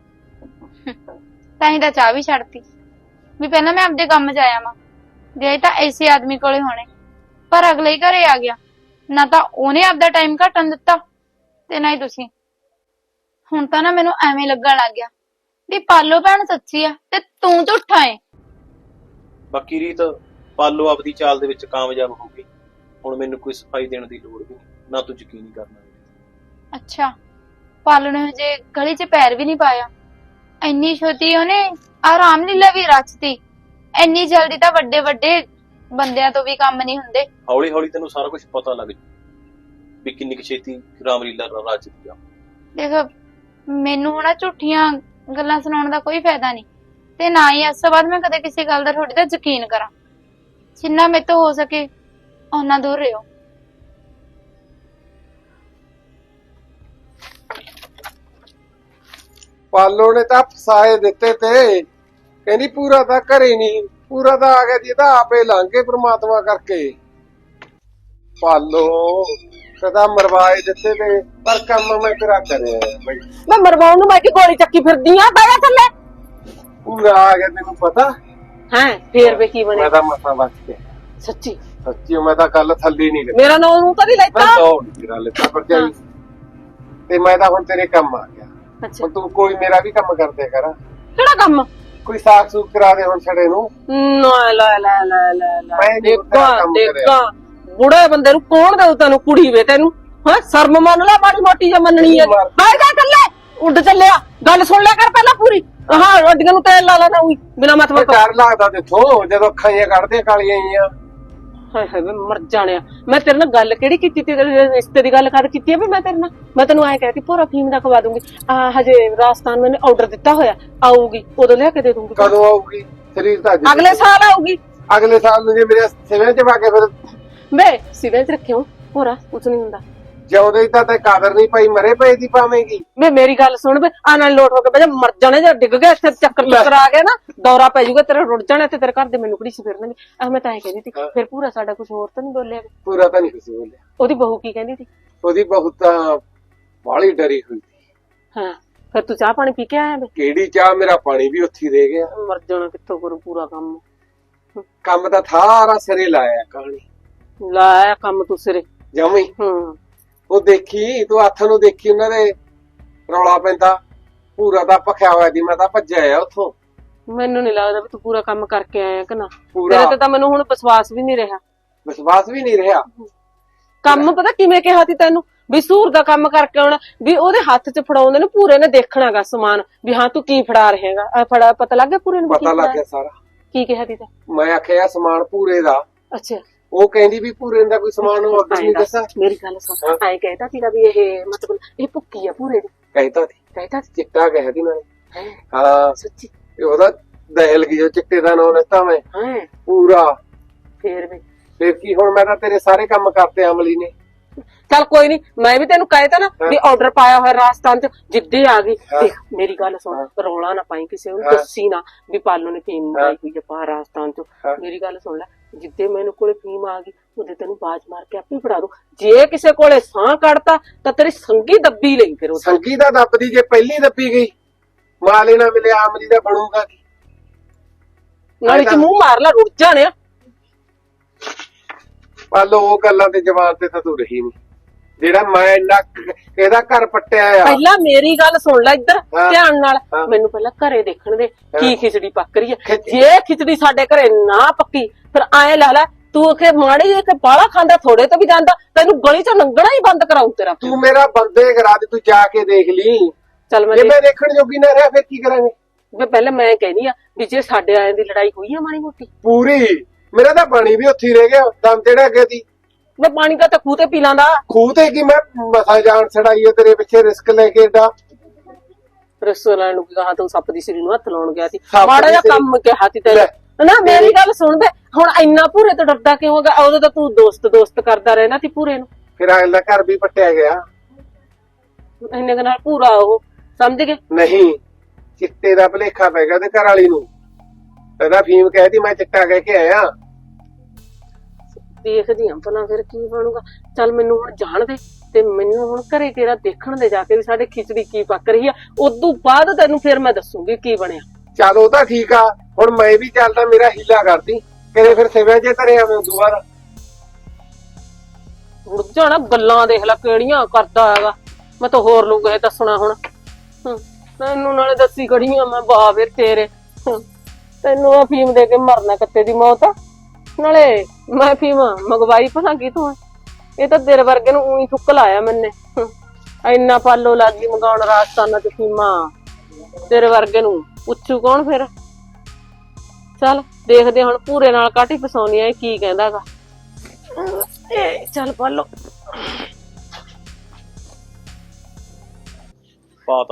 ਤਾਂ ਹੀ ਤਾਂ ਚਾਹ ਵੀ ਛੱਡਤੀ ਵੀ ਪਹਿਲਾਂ ਮੈਂ ਆਪਦੇ ਕੰਮ 'ਚ ਆਇਆ ਵਾਂ, ਗਏ ਤਾਂ ਐਸੇ ਆਦਮੀ ਕੋਲੇ ਹੋਣੇ, ਪਰ ਅਗਲੇ ਹੀ ਘਰੇ ਆ ਗਿਆ। ਨਾ ਤਾਂ ਉਹਨੇ ਆਪਦਾ ਟਾਈਮ ਘਟਣ ਦਿੱਤਾ ਤੇ ਨਾ ਹੀ ਤੁਸੀਂ। ਹੁਣ ਤਾਂ ਨਾ ਮੈਨੂੰ ਐਵੇਂ ਲੱਗਣ ਲੱਗ ਗਿਆ ਵੀ ਪਾਲੋ ਭੈਣ ਸੱਚੀ ਆ ਤੇ ਤੂੰ ਝੂਠਾ ਏ। ਬਾਕੀ ਰੀਤ ਪਾਲੋ ਆਪਦੀ ਚਾਲ ਦੇ ਵਿੱਚ ਕਾਮਯਾਬ ਹੋ ਗਈ, ਹੁਣ ਮੈਨੂੰ ਕੋਈ ਸਫਾਈ ਦੇਣ ਦੀ ਲੋੜ ਵੀ ਨਹੀਂ, ਨਾ ਤੂੰ ਯਕੀਨ ਹੀ ਕਰਨਾ। ਅੱਛਾ ਪਾਲੋ ਨੇ ਹਜੇ ਗਲੀ 'ਚ ਪੈਰ ਵੀ ਨਹੀਂ ਪਾਇਆ, ਇੰਨੀ ਛੋਟੀ ਉਹਨੇ ਆਰਾਮ ਲੀਲਾ ਵੀ ਰਚਤੀ। ਇੰਨੀ ਜਲਦੀ ਤਾਂ ਵੱਡੇ ਵੱਡੇ ਬੰਦਿਆਂ ਤੋਂ ਵੀ ਕੰਮ ਨਹੀਂ ਹੁੰਦੇ। ਹੌਲੀ ਹੌਲੀ ਤੈਨੂੰ ਸਾਰਾ ਕੁਝ ਪਤਾ ਲੱਗ ਜੂ ਵੀ ਕਿੰਨੀ ਕੁ ਛੇਤੀ ਰਾਮਲੀਲਾ ਰਚਦੀ ਆ। ਦੇਖ ਮੈਨੂੰ ਹੁਣ ਝੂਠੀਆਂ ਗੱਲਾਂ ਸੁਣਾਉਣ ਦਾ ਕੋਈ ਫਾਇਦਾ ਨਹੀਂ, ਤੇ ਨਾ ਹੀ ਇਸ ਤੋਂ ਬਾਅਦ ਮੈਂ ਕਦੇ ਕਿਸੇ ਗੱਲ ਦਾ ਤੁਹਾਡੇ ਤੇ ਯਕੀਨ ਕਰਾਂ। ਜਿੰਨਾ ਮੇਰੇ ਤੋਂ ਹੋ ਸਕੇ ਓਨਾ ਦੂਰ ਰਹੋ। ਪਾਲੋ ਨੇ ਤਾਂ ਫਸਾਏ ਦਿੱਤੇ ਤੇ ਕਹਿੰਦੀ ਪੂਰਾ ਤਾਂ ਘਰੇ ਨਹੀਂ, ਪੂਰਾ ਤਾਂ ਆ ਗਿਆ ਜੀ, ਇਹਦਾ ਆਪੇ ਲੰਘ ਕੇ ਪ੍ਰਮਾਤਮਾ ਕਰਕੇ। ਪਾਲੋ ਕਦਾ ਮਰਵਾਏ ਦਿੱਤੇ ਤੇ ਪਰ ਕੰਮ ਮੈਂ ਤੇਰਾ ਕਰਿਆ ਬਈ। ਮੈਂ ਮਰਵਾਉਣ ਨੂੰ ਮੈਂ ਕਿ ਗੋਲੀ ਚੱਕੀ ਫਿਰਦੀ ਆ, ਬਾਇਆ ਥੱਲੇ। ਪੂਰਾ ਆ ਗਿਆ ਤੈਨੂੰ ਪਤਾ ਹੈ ਫੇਰ ਵੇ ਕੀ ਮੈਂ ਬਣਿਆ? ਤਾਂ ਮਸਾਂ ਬਚ ਗਿਆ ਸੱਚੀ ਸੱਚੀ, ਮੈਂ ਤਾਂ ਕੱਲ ਥੱਲੇ ਨਹੀਂ ਮੇਰਾ ਨਾਂ ਨੂੰ ਤਾਂ ਨਹੀਂ ਮੈਂ ਲੈਤਾ। ਦੌੜ ਤੇਰਾ ਲੈਤਾ ਪਰ ਜਾਈ ਤੇ ਮੈਂ ਤਾਂ ਹੁਣ ਤੇਰੇ ਕੰਮ ਆ ਗਿਆ। ਅੱਛਾ ਹੁਣ ਤੂੰ ਕੋਈ ਮੇਰਾ ਵੀ ਕੰਮ ਕਰਦੇ ਕਰ, ਕਿਹੜਾ ਕੰਮ? ਕੋਈ ਸਾਖ ਸੂਖ ਕਰਾ ਦੇ ਹੁਣ ਛੜੇ ਨੂੰ। ਨਾ ਲੈ ਲੈ ਲੈ ਲੈ ਮੈਂ ਨੀ ਦੇਖਾ ਕੰਮ ਕਰਿਆ। ਦੇਖਾ ਬੁੜੇ ਬੰਦੇ ਨੂੰ ਕੌਣ ਦੇਉ ਤੈਨੂੰ ਕੁੜੀ ਵੇ? ਤੈਨੂੰ ਹਾਂ ਸ਼ਰਮ ਮੰਨ ਲੈ, ਮਾੜੀ ਮੋਟੀ ਜਾਂ ਮੰਨਣੀ ਹੈ। ਬਾਹਰ ਜਾ ਥੱਲੇ, ਉੱਡ ਚੱਲਿਆ। ਗੱਲ ਸੁਣ ਲਿਆ ਕਰ ਪਹਿਲਾਂ ਪੂਰੀ। ਹਾਂ ਰੋਡੀਆਂ ਨੂੰ ਤੇਲ ਲਾ ਲੈਣਾ ਉਹੀ ਬਿਨਾ ਮਤਲਬ ਤੋਂ। ਡਰ ਲੱਗਦਾ ਦੇਖੋ ਜਦੋਂ ਅੱਖਾਂ ਜਿਹੀਆਂ ਕੱਢਦੇ ਕਾਲੀਆਂ ਜੀਆਂ। ਹਾਏ ਹਾਏ ਮੈਂ ਮਰ ਜਾਣਿਆ। ਮੈਂ ਤੇਰੇ ਨਾਲ ਗੱਲ ਕਿਹੜੀ ਕੀਤੀ? ਤੇਰੇ ਰਿਸ਼ਤੇ ਦੀ ਗੱਲ ਕਰ ਕੀਤੀ ਹੈ ਵੀ ਮੈਂ ਤੇਰੇ ਨਾਲ? ਮੈਂ ਤੈਨੂੰ ਐਂ ਕਹਿ ਕੇ ਪੂਰਾ ਫੀਮ ਦਾ ਖਵਾ ਦੂੰਗੀ। ਹਜੇ ਰਾਜਸਥਾਨ ਮੈंने ਆਰਡਰ ਦਿੱਤਾ ਹੋਇਆ, ਆਊਗੀ ਉਦੋਂ ਲਿਆ ਕੇ ਦੇ ਦੂੰਗੀ। ਕਦੋਂ ਆਊਗੀ? ਸਰੀਰ ਤਾਂ ਅੱਜ ਅਗਲੇ ਸਾਲ ਆਊਗੀ। ਅਗਲੇ ਸਾਲ ਨੂੰ ਜੇ ਮੇਰੇ ਸਿਵੇਂ ਚ ਪਾ ਕੇ ਫਿਰ ਵੇ ਸਿਵਲ ਚ ਰੱਖਿਓ ਹੋਰਾ ਕੁਛ ਨਹੀਂ ਹੁੰਦਾ। ਜਿਉਂਦੇ ਹੀ ਤਾਂ ਤੇ ਕਾਦਰ ਨਹੀਂ ਪਈ, ਮਰੇ ਪਏ ਦੀ ਪਾਵੇਂਗੀ। ਵੇ ਮੇਰੀ ਗੱਲ ਸੁਣ ਵੇ, ਆ ਨਾਲ ਲੋਟ ਹੋ ਕੇ ਬਜਾ ਮਰ ਜਾਣੇ। ਜੇ ਡਿੱਗ ਗਿਆ ਇੱਥੇ ਚੱਕਰ ਆ ਗਿਆ ਨਾ, ਦੌਰਾ ਪੈ ਜਾਊਗਾ ਤੇਰਾ, ਰੁੜ ਜਾਣਾ ਤੇ ਤੇਰੇ ਘਰ ਦੇ ਮੈਨੂੰ ਕੁੜੀ ਸੀ ਫਿਰਨਗੇ। ਮੈਂ ਤਾਂ ਐਂ ਕਹਿੰਦੀ ਸੀ ਫਿਰ ਪੂਰਾ ਸਾਡਾ ਕੁਝ ਹੋਰ ਤਾਂ ਨਹੀਂ ਬੋਲਿਆ? ਪੂਰਾ ਤਾਂ ਨਹੀਂ ਕੁਝ ਬੋਲਿਆ। ਉਹਦੀ ਬਹੂ ਕੀ ਕਹਿੰਦੀ ਸੀ? ਉਹਦੀ ਬਹੁਤ ਤਾਂ ਬਾਹਲੀ ਡਰੀ ਹੋਈ ਸੀ। ਹਾਂ ਫਿਰ ਤੂੰ ਚਾਹ ਪਾਣੀ ਪੀ ਕੇ ਆਇਆ? ਵੇ ਕਿਹੜੀ ਚਾਹ, ਮੇਰਾ ਪਾਣੀ ਵੀ ਉੱਥੇ ਰਹਿ ਗਿਆ। ਮਰ ਜਾਣਾ ਕਿੱਥੋਂ ਕਰੂ ਪੂਰਾ ਕੰਮ? ਕੰਮ ਤਾਂ ਥਾਰਾ ਸਿਰੇ ਲਾਇਆ ਕਹਾਣੀ ਲਾਇਆ ਕੰਮ ਤੂੰ ਸਿਰੇ ਜਮੀ। ਹੂੰ ਉਹ ਦੇਖੀ ਤੂੰ ਹੱਥ ਨੂੰ ਦੇਖੀ ਉਹਨਾਂ ਦੇ ਰੌਲਾ ਪੈਂਦਾ। ਪੂਰਾ ਤਾਂ ਭਖਿਆ ਹੋਇਆ ਦੀ, ਮੈਂ ਤਾਂ ਭੱਜਿਆ ਆ ਉੱਥੋਂ। ਮੈਨੂੰ ਨਹੀਂ ਲੱਗਦਾ ਵੀ ਤੂੰ ਪੂਰਾ ਕੰਮ ਕਰਕੇ ਆਇਆ ਕਿ ਨਾ। ਪੂਰਾ ਤੇਰੇ ਤੇ ਤਾਂ ਮੈਨੂੰ ਹੁਣ ਵਿਸ਼ਵਾਸ ਵੀ ਨਹੀਂ ਰਿਹਾ। ਵਿਸ਼ਵਾਸ ਵੀ ਨਹੀਂ ਰਿਹਾ। ਕੰਮ ਪਤਾ ਕਿਵੇਂ ਕਿਹਾ ਸੀ ਤੈਨੂੰ ਵੀ ਸੂਰ ਦਾ ਕੰਮ ਕਰਕੇ ਆਉਣਾ, ਵੀ ਉਹਦੇ ਹੱਥ 'ਚ ਫੜਾਉਂਦੇ ਨੇ ਪੂਰੇ ਨੇ ਦੇਖਣਾਗਾ ਸਮਾਨ ਵੀ ਹਾਂ ਤੂੰ ਕੀ ਫੜਾ ਰਹੇਗਾ। ਫੜਾ ਪਤਾ ਲੱਗ ਗਿਆ ਪੂਰੇ ਨੂੰ? ਪਤਾ ਲੱਗ ਗਿਆ ਸਾਰਾ। ਕੀ ਕਿਹਾ ਸੀ? ਮੈਂ ਆਖਿਆ ਸਮਾਨ ਪੂਰੇ ਦਾ। ਅੱਛਾ ਉਹ ਕਹਿੰਦੀ ਵੀ ਪੂਰੇ ਦਾ ਕੋਈ ਸਮਾਨ ਹੋਰ ਕੁਝ ਨਹੀਂ ਦੱਸਾਂ। ਮੇਰੀ ਗੱਲ ਸੁਣ, ਐਂ ਕਹਿਤਾ ਸੀਗਾ ਵੀ ਇਹ ਮਤਲਬ ਇਹ ਭੁੱਕੀ ਆ ਪੂਰੇ ਦੀ? ਕਹਿਤਾ ਸੀ, ਕਹਿਤਾ ਸੀ? ਚਿੱਟਾ ਕਹਿ ਦੀ ਨਾਲੇ। ਹੈਂ? ਹਾਂ ਸੱਚੀ? ਇਹ ਉਹਦਾ ਦਹਿਲ ਗਈ ਜੋ ਚਿੱਟੇ ਦਾ ਨਾਂ ਲੈਤਾ ਮੈਂ ਹਾਂ ਪੂਰਾ। ਫੇਰ ਵੀ ਫਿਰ ਕੀ ਹੁਣ ਮੈਂ ਤਾਂ ਤੇਰੇ ਸਾਰੇ ਕੰਮ ਕਰਤੇ ਅਮਲੀ ਨੇ, ਚੱਲ ਕੋਈ ਨਹੀਂ, ਮੈਂ ਵੀ ਤੈਨੂੰ ਕਹੇ ਤਾ ਨਾ ਵੀ ਆਰਡਰ ਪਾਇਆ ਹੋਇਆ ਰਾਜਸਥਾਨ ਚ, ਜਿੱਦੇ ਆ ਗਈ। ਦੇਖ ਮੇਰੀ ਗੱਲ ਸੁਣ, ਰੌਲਾ ਨਾ ਪਾਈ ਕਿਸੇ ਨੂੰ, ਦੱਸੀ ਨਾ ਵੀ ਪਾਲੋ ਨੇ ਫੀਮ ਮੰਗਾਈ ਹੋਈ ਆ ਬਾਹਰ ਰਾਜਸਥਾਨ ਚ। ਮੇਰੀ ਗੱਲ ਸੁਣ ਲੈ, ਜਿੱਦੇ ਮੈਨੂੰ ਕੋਲੇ ਫੀਮ ਆ ਗਈ ਉਹਦੇ ਤੈਨੂੰ ਬਾਜ ਮਾਰ ਕੇ ਆਪੇ ਫੜਾ ਦੂ। ਜੇ ਕਿਸੇ ਕੋਲੇ ਸਾਹ ਕੱਢਤਾ ਤਾਂ ਤੇਰੀ ਸੰਗੀ ਦੱਬੀ ਲਈ। ਫਿਰ ਉਹ ਸੰਗੀ ਦਾ ਦੱਬਦੀ, ਜੇ ਪਹਿਲੀ ਦੱਬੀ ਗਈ ਮਾਲੇ ਨਾ ਮਿਲਿਆ ਆਮਲੀ ਦਾ ਬਣੂਗਾ ਕੀ? ਨਾਲੇ ਚ ਮੂੰਹ ਮਾਰ ਲੈ, ਰੁੱਟ ਜਾਣਿਆ। ਪਾਲੋ ਉਹ ਗੱਲਾਂ ਤੇ ਜਵਾਨ ਤੇ ਤਾਂ ਤੂੰ ਰਹੀ ਨਹੀਂ, ਜਿਹੜਾ ਮੈਂ ਇੰਨਾ ਇਹਦਾ ਘਰ ਪੱਟਿਆ ਆ। ਪਹਿਲਾਂ ਮੇਰੀ ਗੱਲ ਸੁਣ ਲੈ ਇੱਧਰ ਧਿਆਨ ਨਾਲ, ਮੈਨੂੰ ਪਹਿਲਾਂ ਘਰੇ ਦੇਖਣ ਦੇ ਕੀ ਖਿਚੜੀ ਪੱਕ ਰਹੀ ਹੈ। ਜੇ ਖਿਚੜੀ ਸਾਡੇ ਘਰੇ ਨਾ ਪੱਕੀ ਫਿਰ ਐ ਲਾ ਲੈ ਤੂੰ ਕਿ ਮਾੜੀ ਜਿਹੀ ਬਾਲਾ ਖਾਂਦਾ ਥੋੜੇ ਤੋਂ ਵੀ ਜਾਂਦਾ, ਤੈਨੂੰ ਗਲੀ ਚੋਂ ਲੰਘਣਾ ਹੀ ਬੰਦ ਕਰਾਉ ਤੇਰਾ। ਤੂੰ ਮੇਰਾ ਬੰਦੇ ਕਰਾ ਦੇ, ਤੂੰ ਜਾ ਕੇ ਦੇਖ ਲਈ। ਚੱਲ ਜੇ ਮੈਂ ਦੇਖਣ ਜੋਗੀ ਨਾ ਰਿਹਾ ਫਿਰ ਕੀ ਕਰਾਂਗੇ? ਪਹਿਲਾਂ ਮੈਂ ਕਹਿੰਦੀ ਆ ਵੀ ਜੇ ਸਾਡੇ ਆਇਆਂ ਦੀ ਲੜਾਈ ਹੋਈ ਆ ਮਾੜੀ ਮੋਟੀ ਪੂਰੀ, ਮੇਰਾ ਤਾਂ ਪਾਣੀ ਵੀ ਉੱਥੇ ਹੀ ਰਹਿ ਗਿਆ, ਦਮ ਜਿਹੜਾ ਅੱਗੇ ਦੀ। ਮੈਂ ਪਾਣੀ ਦਾ ਤਾਂ ਖੂਹ ਤੇ ਪੀ ਲਾਂਦਾ। ਖੂਹ ਤੇ ਕੀ, ਮੈਂ ਮਸਾ ਜਾਨ ਛੜਾਈ ਹੈ ਤੇਰੇ ਪਿੱਛੇ ਰਿਸਕ ਲੈ ਕੇ ਏਡਾ। ਰਸੋਲਾਂ ਨੂੰ ਕਹਾ ਤੂੰ ਸੱਪ ਦੀ ਸਿਰੀ ਨੂੰ ਹੱਥ ਲਾਉਣ ਗਿਆ ਸੀ, ਸੱਪ ਮਾੜਾ ਦੀ ਜਿਹਾ ਸਿਰੀ- ਕੰਮ ਕਿਹਾ ਸੀ ਤੈਨੂੰ ਨਾ। ਮੇਰੀ ਗੱਲ ਸੁਣ ਬੇ, ਹੁਣ ਇੰਨਾ ਭੂਰੇ ਤੋਂ ਡਰਦਾ ਕਿਉਂ ਹੋਗਾ? ਉਦੋਂ ਤਾਂ ਤੂੰ ਦੋਸਤ ਕਰਦਾ ਰਹਿਣਾ ਸੀ ਭੂਰੇ ਨੂੰ। ਫਿਰ ਅਗਲਾ ਘਰ ਵੀ ਪੱਟਿਆ ਗਿਆ। ਇੰਨੇ ਕੁ ਨਾਲ ਭੂਰਾ ਉਹ ਸਮਝ ਗਏ? ਨਹੀਂ, ਚਿੱਟੇ ਦਾ ਭਲੇਖਾ ਪੈ ਗਿਆ ਉਹਦੇ ਘਰ ਵਾਲੀ ਨੂੰ। ਇਹਦਾ ਫੀਮ ਕਹਿਤੀ ਮੈਂ ਚਿੱਟਾ ਕਹਿ ਕੇ ਆਇਆ। ਦੇਖਦੀ ਆਂ ਭਲਾ ਫਿਰ ਕੀ ਬਣੂਗਾ। ਚੱਲ ਮੈਨੂੰ ਹੁਣ ਜਾਣ ਦੇ ਤੇ ਮੈਨੂੰ ਹੁਣ ਘਰੇ ਤੇਰਾ ਦੇਖਣ ਦੇ ਜਾ ਕੇ ਵੀ ਸਾਡੇ ਖਿਚੜੀ ਕੀ ਪੱਕ ਰਹੀ ਆ। ਉਦੋਂ ਬਾਅਦ ਤੈਨੂੰ ਫਿਰ ਮੈਂ ਦੱਸੂਗੀ ਕੀ ਬਣਿਆ। ਚੱਲ ਉਹ ਤਾਂ ਠੀਕ ਆ, ਹੁਣ ਮੈਂ ਵੀ ਚੱਲਦਾ, ਮੇਰਾ ਹੀਲਾ ਕਰਦੀ ਕਿਤੇ ਫਿਰ ਸਿਵਿਆਂ ਜੇ ਧਰੇ ਆਵੇਂ ਉਦੋਂ ਬਾਅਦ। ਰੁੱਝ ਜਾਣਾ, ਗੱਲਾਂ ਦੇਖ ਲੈ ਕਿਹੜੀਆਂ ਕਰਦਾ ਹੈਗਾ। ਮੈਂ ਤਾਂ ਹੋਰ ਲੋਕ ਇਹ ਦੱਸਣਾ ਹੁਣ। ਤੈਨੂੰ ਨਾਲੇ ਦੱਸੀ ਖੜੀਆਂ ਮੈਂ ਬਾਵੇ ਤੇਰੇ। ਤੈਨੂੰ ਅਫੀਮ ਦੇ ਕੇ ਮਰਨਾ ਕੱਤੇ ਦੀ ਮੌਤ ਆ। ਨਾਲੇ ਮੈਂ ਅਫੀਮ ਮੰਗਵਾਈ ਭਲਾ ਕੀ ਤੂੰ? ਇਹ ਤਾਂ ਤੇਰੇ ਵਰਗੇ ਨੂੰ ਉਹੀ ਥੁੱਕ ਲਾਇਆ ਮੈਨੇ। ਇੰਨਾ ਪਾਲੋ ਲੱਗੀ ਮੰਗਾਉਣ ਰਾਜਸਥਾਨਾਂ ਚ ਫੀਮਾਂ, ਤੇਰੇ ਵਰਗੇ ਨੂੰ ਪੁੱਛੂ ਕੌਣ ਫਿਰ? ਚੱਲ ਦੇਖਦੇ ਹੁਣ ਪੂਰੇ ਨਾਲ ਕਾਟੀ ਫਸਾਉਣੀ ਆ ਕੀ ਕਹਿੰਦਾਗਾ। ਚੱਲ ਪਾਲੋ ਪਾਤਾ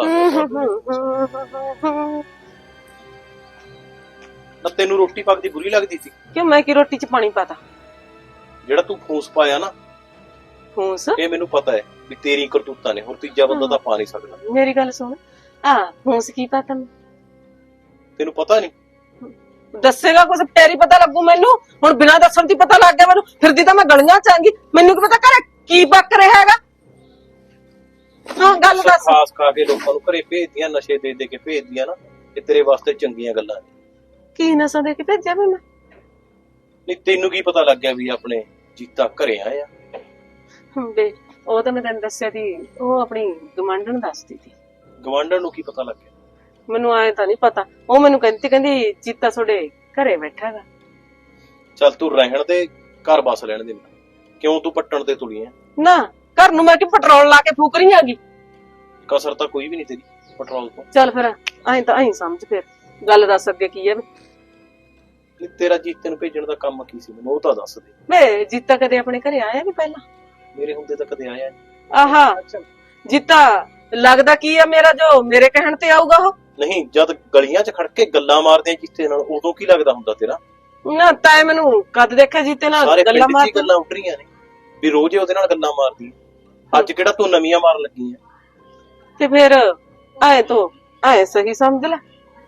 ਨਾ। ਤੈਨੂੰ ਰੋਟੀ ਪੱਕਦੀ ਬੁਰੀ ਲੱਗਦੀ ਸੀ? ਕਿਉਂ ਮੈਂ ਕੀ ਰੋਟੀ ਚ ਪਾਣੀ ਪਾਤਾ? ਜਿਹੜਾ ਤੂੰ ਫੂਸ ਪਾਇਆ ਨਾ, ਫੂਸ ਇਹ ਮੈਨੂੰ ਪਤਾ ਹੈ ਵੀ ਤੇਰੀ ਕਰਤੂਤਾਂ ਨੇ, ਹੁਣ ਤੀਜਾ ਬੰਦਾ ਤਾਂ ਪਾ ਨਹੀਂ ਸਕਦਾ। ਮੇਰੀ ਗੱਲ ਸੁਣ, ਫੂਸ ਕੀ ਪਾਤਾ? ਤੈਨੂੰ ਪਤਾ ਨਹੀਂ? ਦੱਸੇਗਾ ਕੁਝ ਫੇਰ ਹੀ ਪਤਾ ਲੱਗੂ ਮੈਨੂੰ। ਹੁਣ ਬਿਨਾਂ ਦੱਸਣ ਦੀ ਪਤਾ ਲੱਗ ਗਿਆ ਮੈਨੂੰ, ਫਿਰਦੀ ਤਾਂ ਮੈਂ ਗਲੀਆਂ ਚ ਆਂਗੀ, ਮੈਨੂੰ ਕੀ ਪਤਾ ਘਰੇ ਕੀ ਪੱਕ ਰਿਹਾ ਹੈਗਾ। ਹਾਂ ਗੱਲ ਦੱਸ। ਖਾਸ ਖਾ ਕੇ ਲੋਕਾਂ ਨੂੰ ਘਰੇ ਭੇਜਦੀਆਂ, ਨਸ਼ੇ ਦੇ ਦੇ ਕੇ ਭੇਜਦੀਆਂ ਨਾ, ਇਹ ਤੇਰੇ ਵਾਸਤੇ ਚੰਗੀਆਂ ਗੱਲਾਂ ਨੇ। ਕੀ ਨਸਾਂ ਦੇ ਕੇ ਭੇਜਿਆ ਮੈਂ? ਨਹੀਂ ਤੈਨੂੰ ਕੀ ਪਤਾ ਲੱਗ ਗਿਆ ਵੀ ਆਪਣੇ ਜੀਤਾ ਘਰੇ ਆਇਆ? ਬੇ ਉਹ ਤਾਂ ਮੈਂ ਤੈਨੂੰ ਦੱਸਿਆ ਸੀ, ਉਹ ਆਪਣੀ ਗਵਾਂਢਣ ਦੱਸਦੀ ਸੀ। ਗਵਾਂਢਣ ਨੂੰ ਕੀ ਪਤਾ ਲੱਗ ਗਿਆ? ਮੈਨੂੰ ਆਏ ਤਾਂ ਨਹੀਂ ਪਤਾ। ਉਹ ਮੈਨੂੰ ਕਹਿੰਦੀ ਜੀਤਾ ਤੁਹਾਡੇ ਘਰੇ ਬੈਠਾ ਹੈਗਾ। ਚੱਲ ਤੂੰ ਰਹਿਣ ਦੇ, ਘਰ ਬਸ ਲੈਣ ਦੇ। ਕਿਉਂ ਤੂੰ ਪੱਟਣ ਤੇ ਤੁਲੀ ਐ? ਨਾ ਘਰ ਨੂੰ ਮੈਂ ਕਿ ਪੈਟਰੋਲ ਲਾ ਕੇ ਫੂਕ ਰਹੀ ਹੈਗੀ। ਕਸਰ ਤਾਂ ਕੋਈ ਵੀ ਨਹੀਂ ਤੇਰੀ ਪੈਟਰੋਲ ਤੋਂ। ਚੱਲ ਫਿਰ ਐਂ ਸਮਝ, ਫਿਰ ਗੱਲ ਦੱਸ ਅੱਗੇ ਕੀ ਹੈ। ਨਹੀਂ ਤੇਰਾ ਜੀਤੇ ਨੂੰ ਭੇਜਣ ਦਾ ਕੰਮ ਕੀ ਸੀ, ਮੈਨੂੰ ਉਹ ਤਾਂ ਦੱਸ ਦੇ। ਵੇ ਜੀਤਾ ਕਦੇ ਆਪਣੇ ਘਰੇ ਆਇਆ ਨਹੀਂ ਪਹਿਲਾਂ? ਮੇਰੇ ਹੁੰਦੇ ਤਾਂ ਕਦੇ ਆਇਆ ਨਹੀਂ। ਆਹਾ ਜੀਤਾ ਲੱਗਦਾ ਕੀ ਆ ਮੇਰਾ, ਜੋ ਮੇਰੇ ਕਹਿਣ ਤੇ ਆਊਗਾ ਉਹ? ਨਹੀਂ, ਜਦ ਗਲੀਆਂ 'ਚ ਖੜ ਕੇ ਗੱਲਾਂ ਮਾਰਦੇ ਆ ਜੀਤੇ ਨਾਲ, ਉਦੋਂ ਕੀ ਲੱਗਦਾ ਹੁੰਦਾ ਤੇਰਾ? ਨਾ ਤੈਂ ਮੈਨੂੰ ਕਦ ਦੇਖਿਆ ਜੀਤੇ ਨਾਲ ਸਾਰੇ ਗੱਲਾਂ ਪਿੰਡ 'ਚ ਹੀ ਗੱਲਾਂ ਉੱਡ ਰਹੀਆਂ ਨੇ ਵੀ ਰੋਜ਼ ਹੀ ਉਹਦੇ ਨਾਲ ਗੱਲਾਂ ਮਾਰਦੀ। ਅੱਜ ਕਿਹੜਾ ਤੂੰ ਨਵੀਆਂ ਮਾਰਨ ਲੱਗੀ ਆ? ਤੇ ਫਿਰ ਐ ਸਹੀ ਸਮਝ ਲੈ।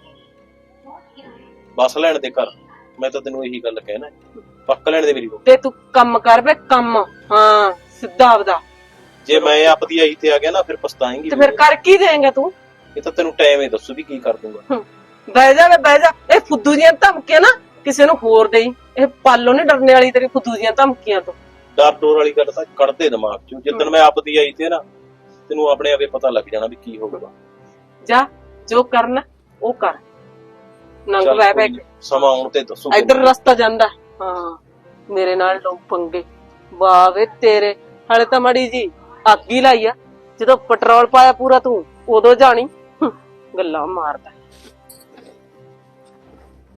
ਬਸ ਲੈਣ ਦੇ ਘਰ, ਮੈਂ ਤਾਂ ਤੈਨੂੰ ਇਹੀ ਗੱਲ ਕਹਿਣਾ, ਪੱਕ ਲੈਣ ਦੇ ਮੇਰੀ ਰੋਟੀ। ਤੇ ਤੂੰ ਕੰਮ ਕਰ ਵੇ, ਕੰਮ। ਹਾਂ ਸਿੱਧਾ ਆਪਦਾ। ਜੇ ਮੈਂ ਆਪਦੀ ਆਈ ਤੇ ਆ ਗਿਆ ਨਾ ਫਿਰ ਪਛਤਾਏਂਗੀ। ਤੇ ਫਿਰ ਕਰ ਕੀ ਦੇਂਗਾ ਤੂੰ? ਇਹ ਤਾਂ ਤੈਨੂੰ ਟਾਈਮ ਹੀ ਦੱਸੂ ਵੀ ਕੀ ਕਰ ਦੂੰਗਾ। ਬਹਿ ਜਾ ਵੇ ਬਹਿ ਜਾ। ਇਹ ਫੁੱਦੂ ਦੀਆਂ ਧਮਕੀਆਂ ਨਾ ਕਿਸੇ ਨੂੰ ਹੋਰ ਦੇਈ। ਇਹ ਪਾਲੋ ਨੀ ਡਰਨੇ ਵਾਲੀ ਤੇਰੀ ਫੁੱਦੂ ਦੀਆਂ ਧਮਕੀਆਂ ਤੋਂ। ਡਰ ਡੋਰ ਵਾਲੀ ਗੱਲ ਤਾਂ ਕੱਢ ਦੇ ਦਿਮਾਗ ਚੋਂ। ਜਿੱਦਣ ਮੈਂ ਆਪਦੀ ਆਈ ਤੇ ਨਾ, ਤੈਨੂੰ ਆਪਣੇ ਆਪੇ ਪਤਾ ਲੱਗ ਜਾਣਾ ਵੀ ਕੀ ਹੋਊਗਾ। ਜਾ ਜੋ ਕਰਨਾ ਉਹ ਕਰ। ਨੰਗ ਚੱਲ ਬੈ ਕੋਈ ਨੀ, ਸਮਾਂ ਆਉਣ ਤੇ ਦੱਸੂ। ਇੱਧਰ ਰਸਤਾ ਜਾਂਦਾ। ਹਾਂ ਮੇਰੇ ਨਾਲ ਲੋਕ ਪੰਗੇ ਵਾਹ ਵੇ ਤੇਰੇ। ਹਾਲੇ ਤਾਂ ਮੜੀ ਜੀ ਅੱਗ ਹੀ ਲਾਈ ਆ, ਜਦੋਂ ਪੈਟਰੋਲ ਪਾਇਆ ਪੂਰਾ ਤੂੰ ਉਦੋਂ ਜਾਣੀ। ਗੱਲਾਂ ਮਾਰਦਾ।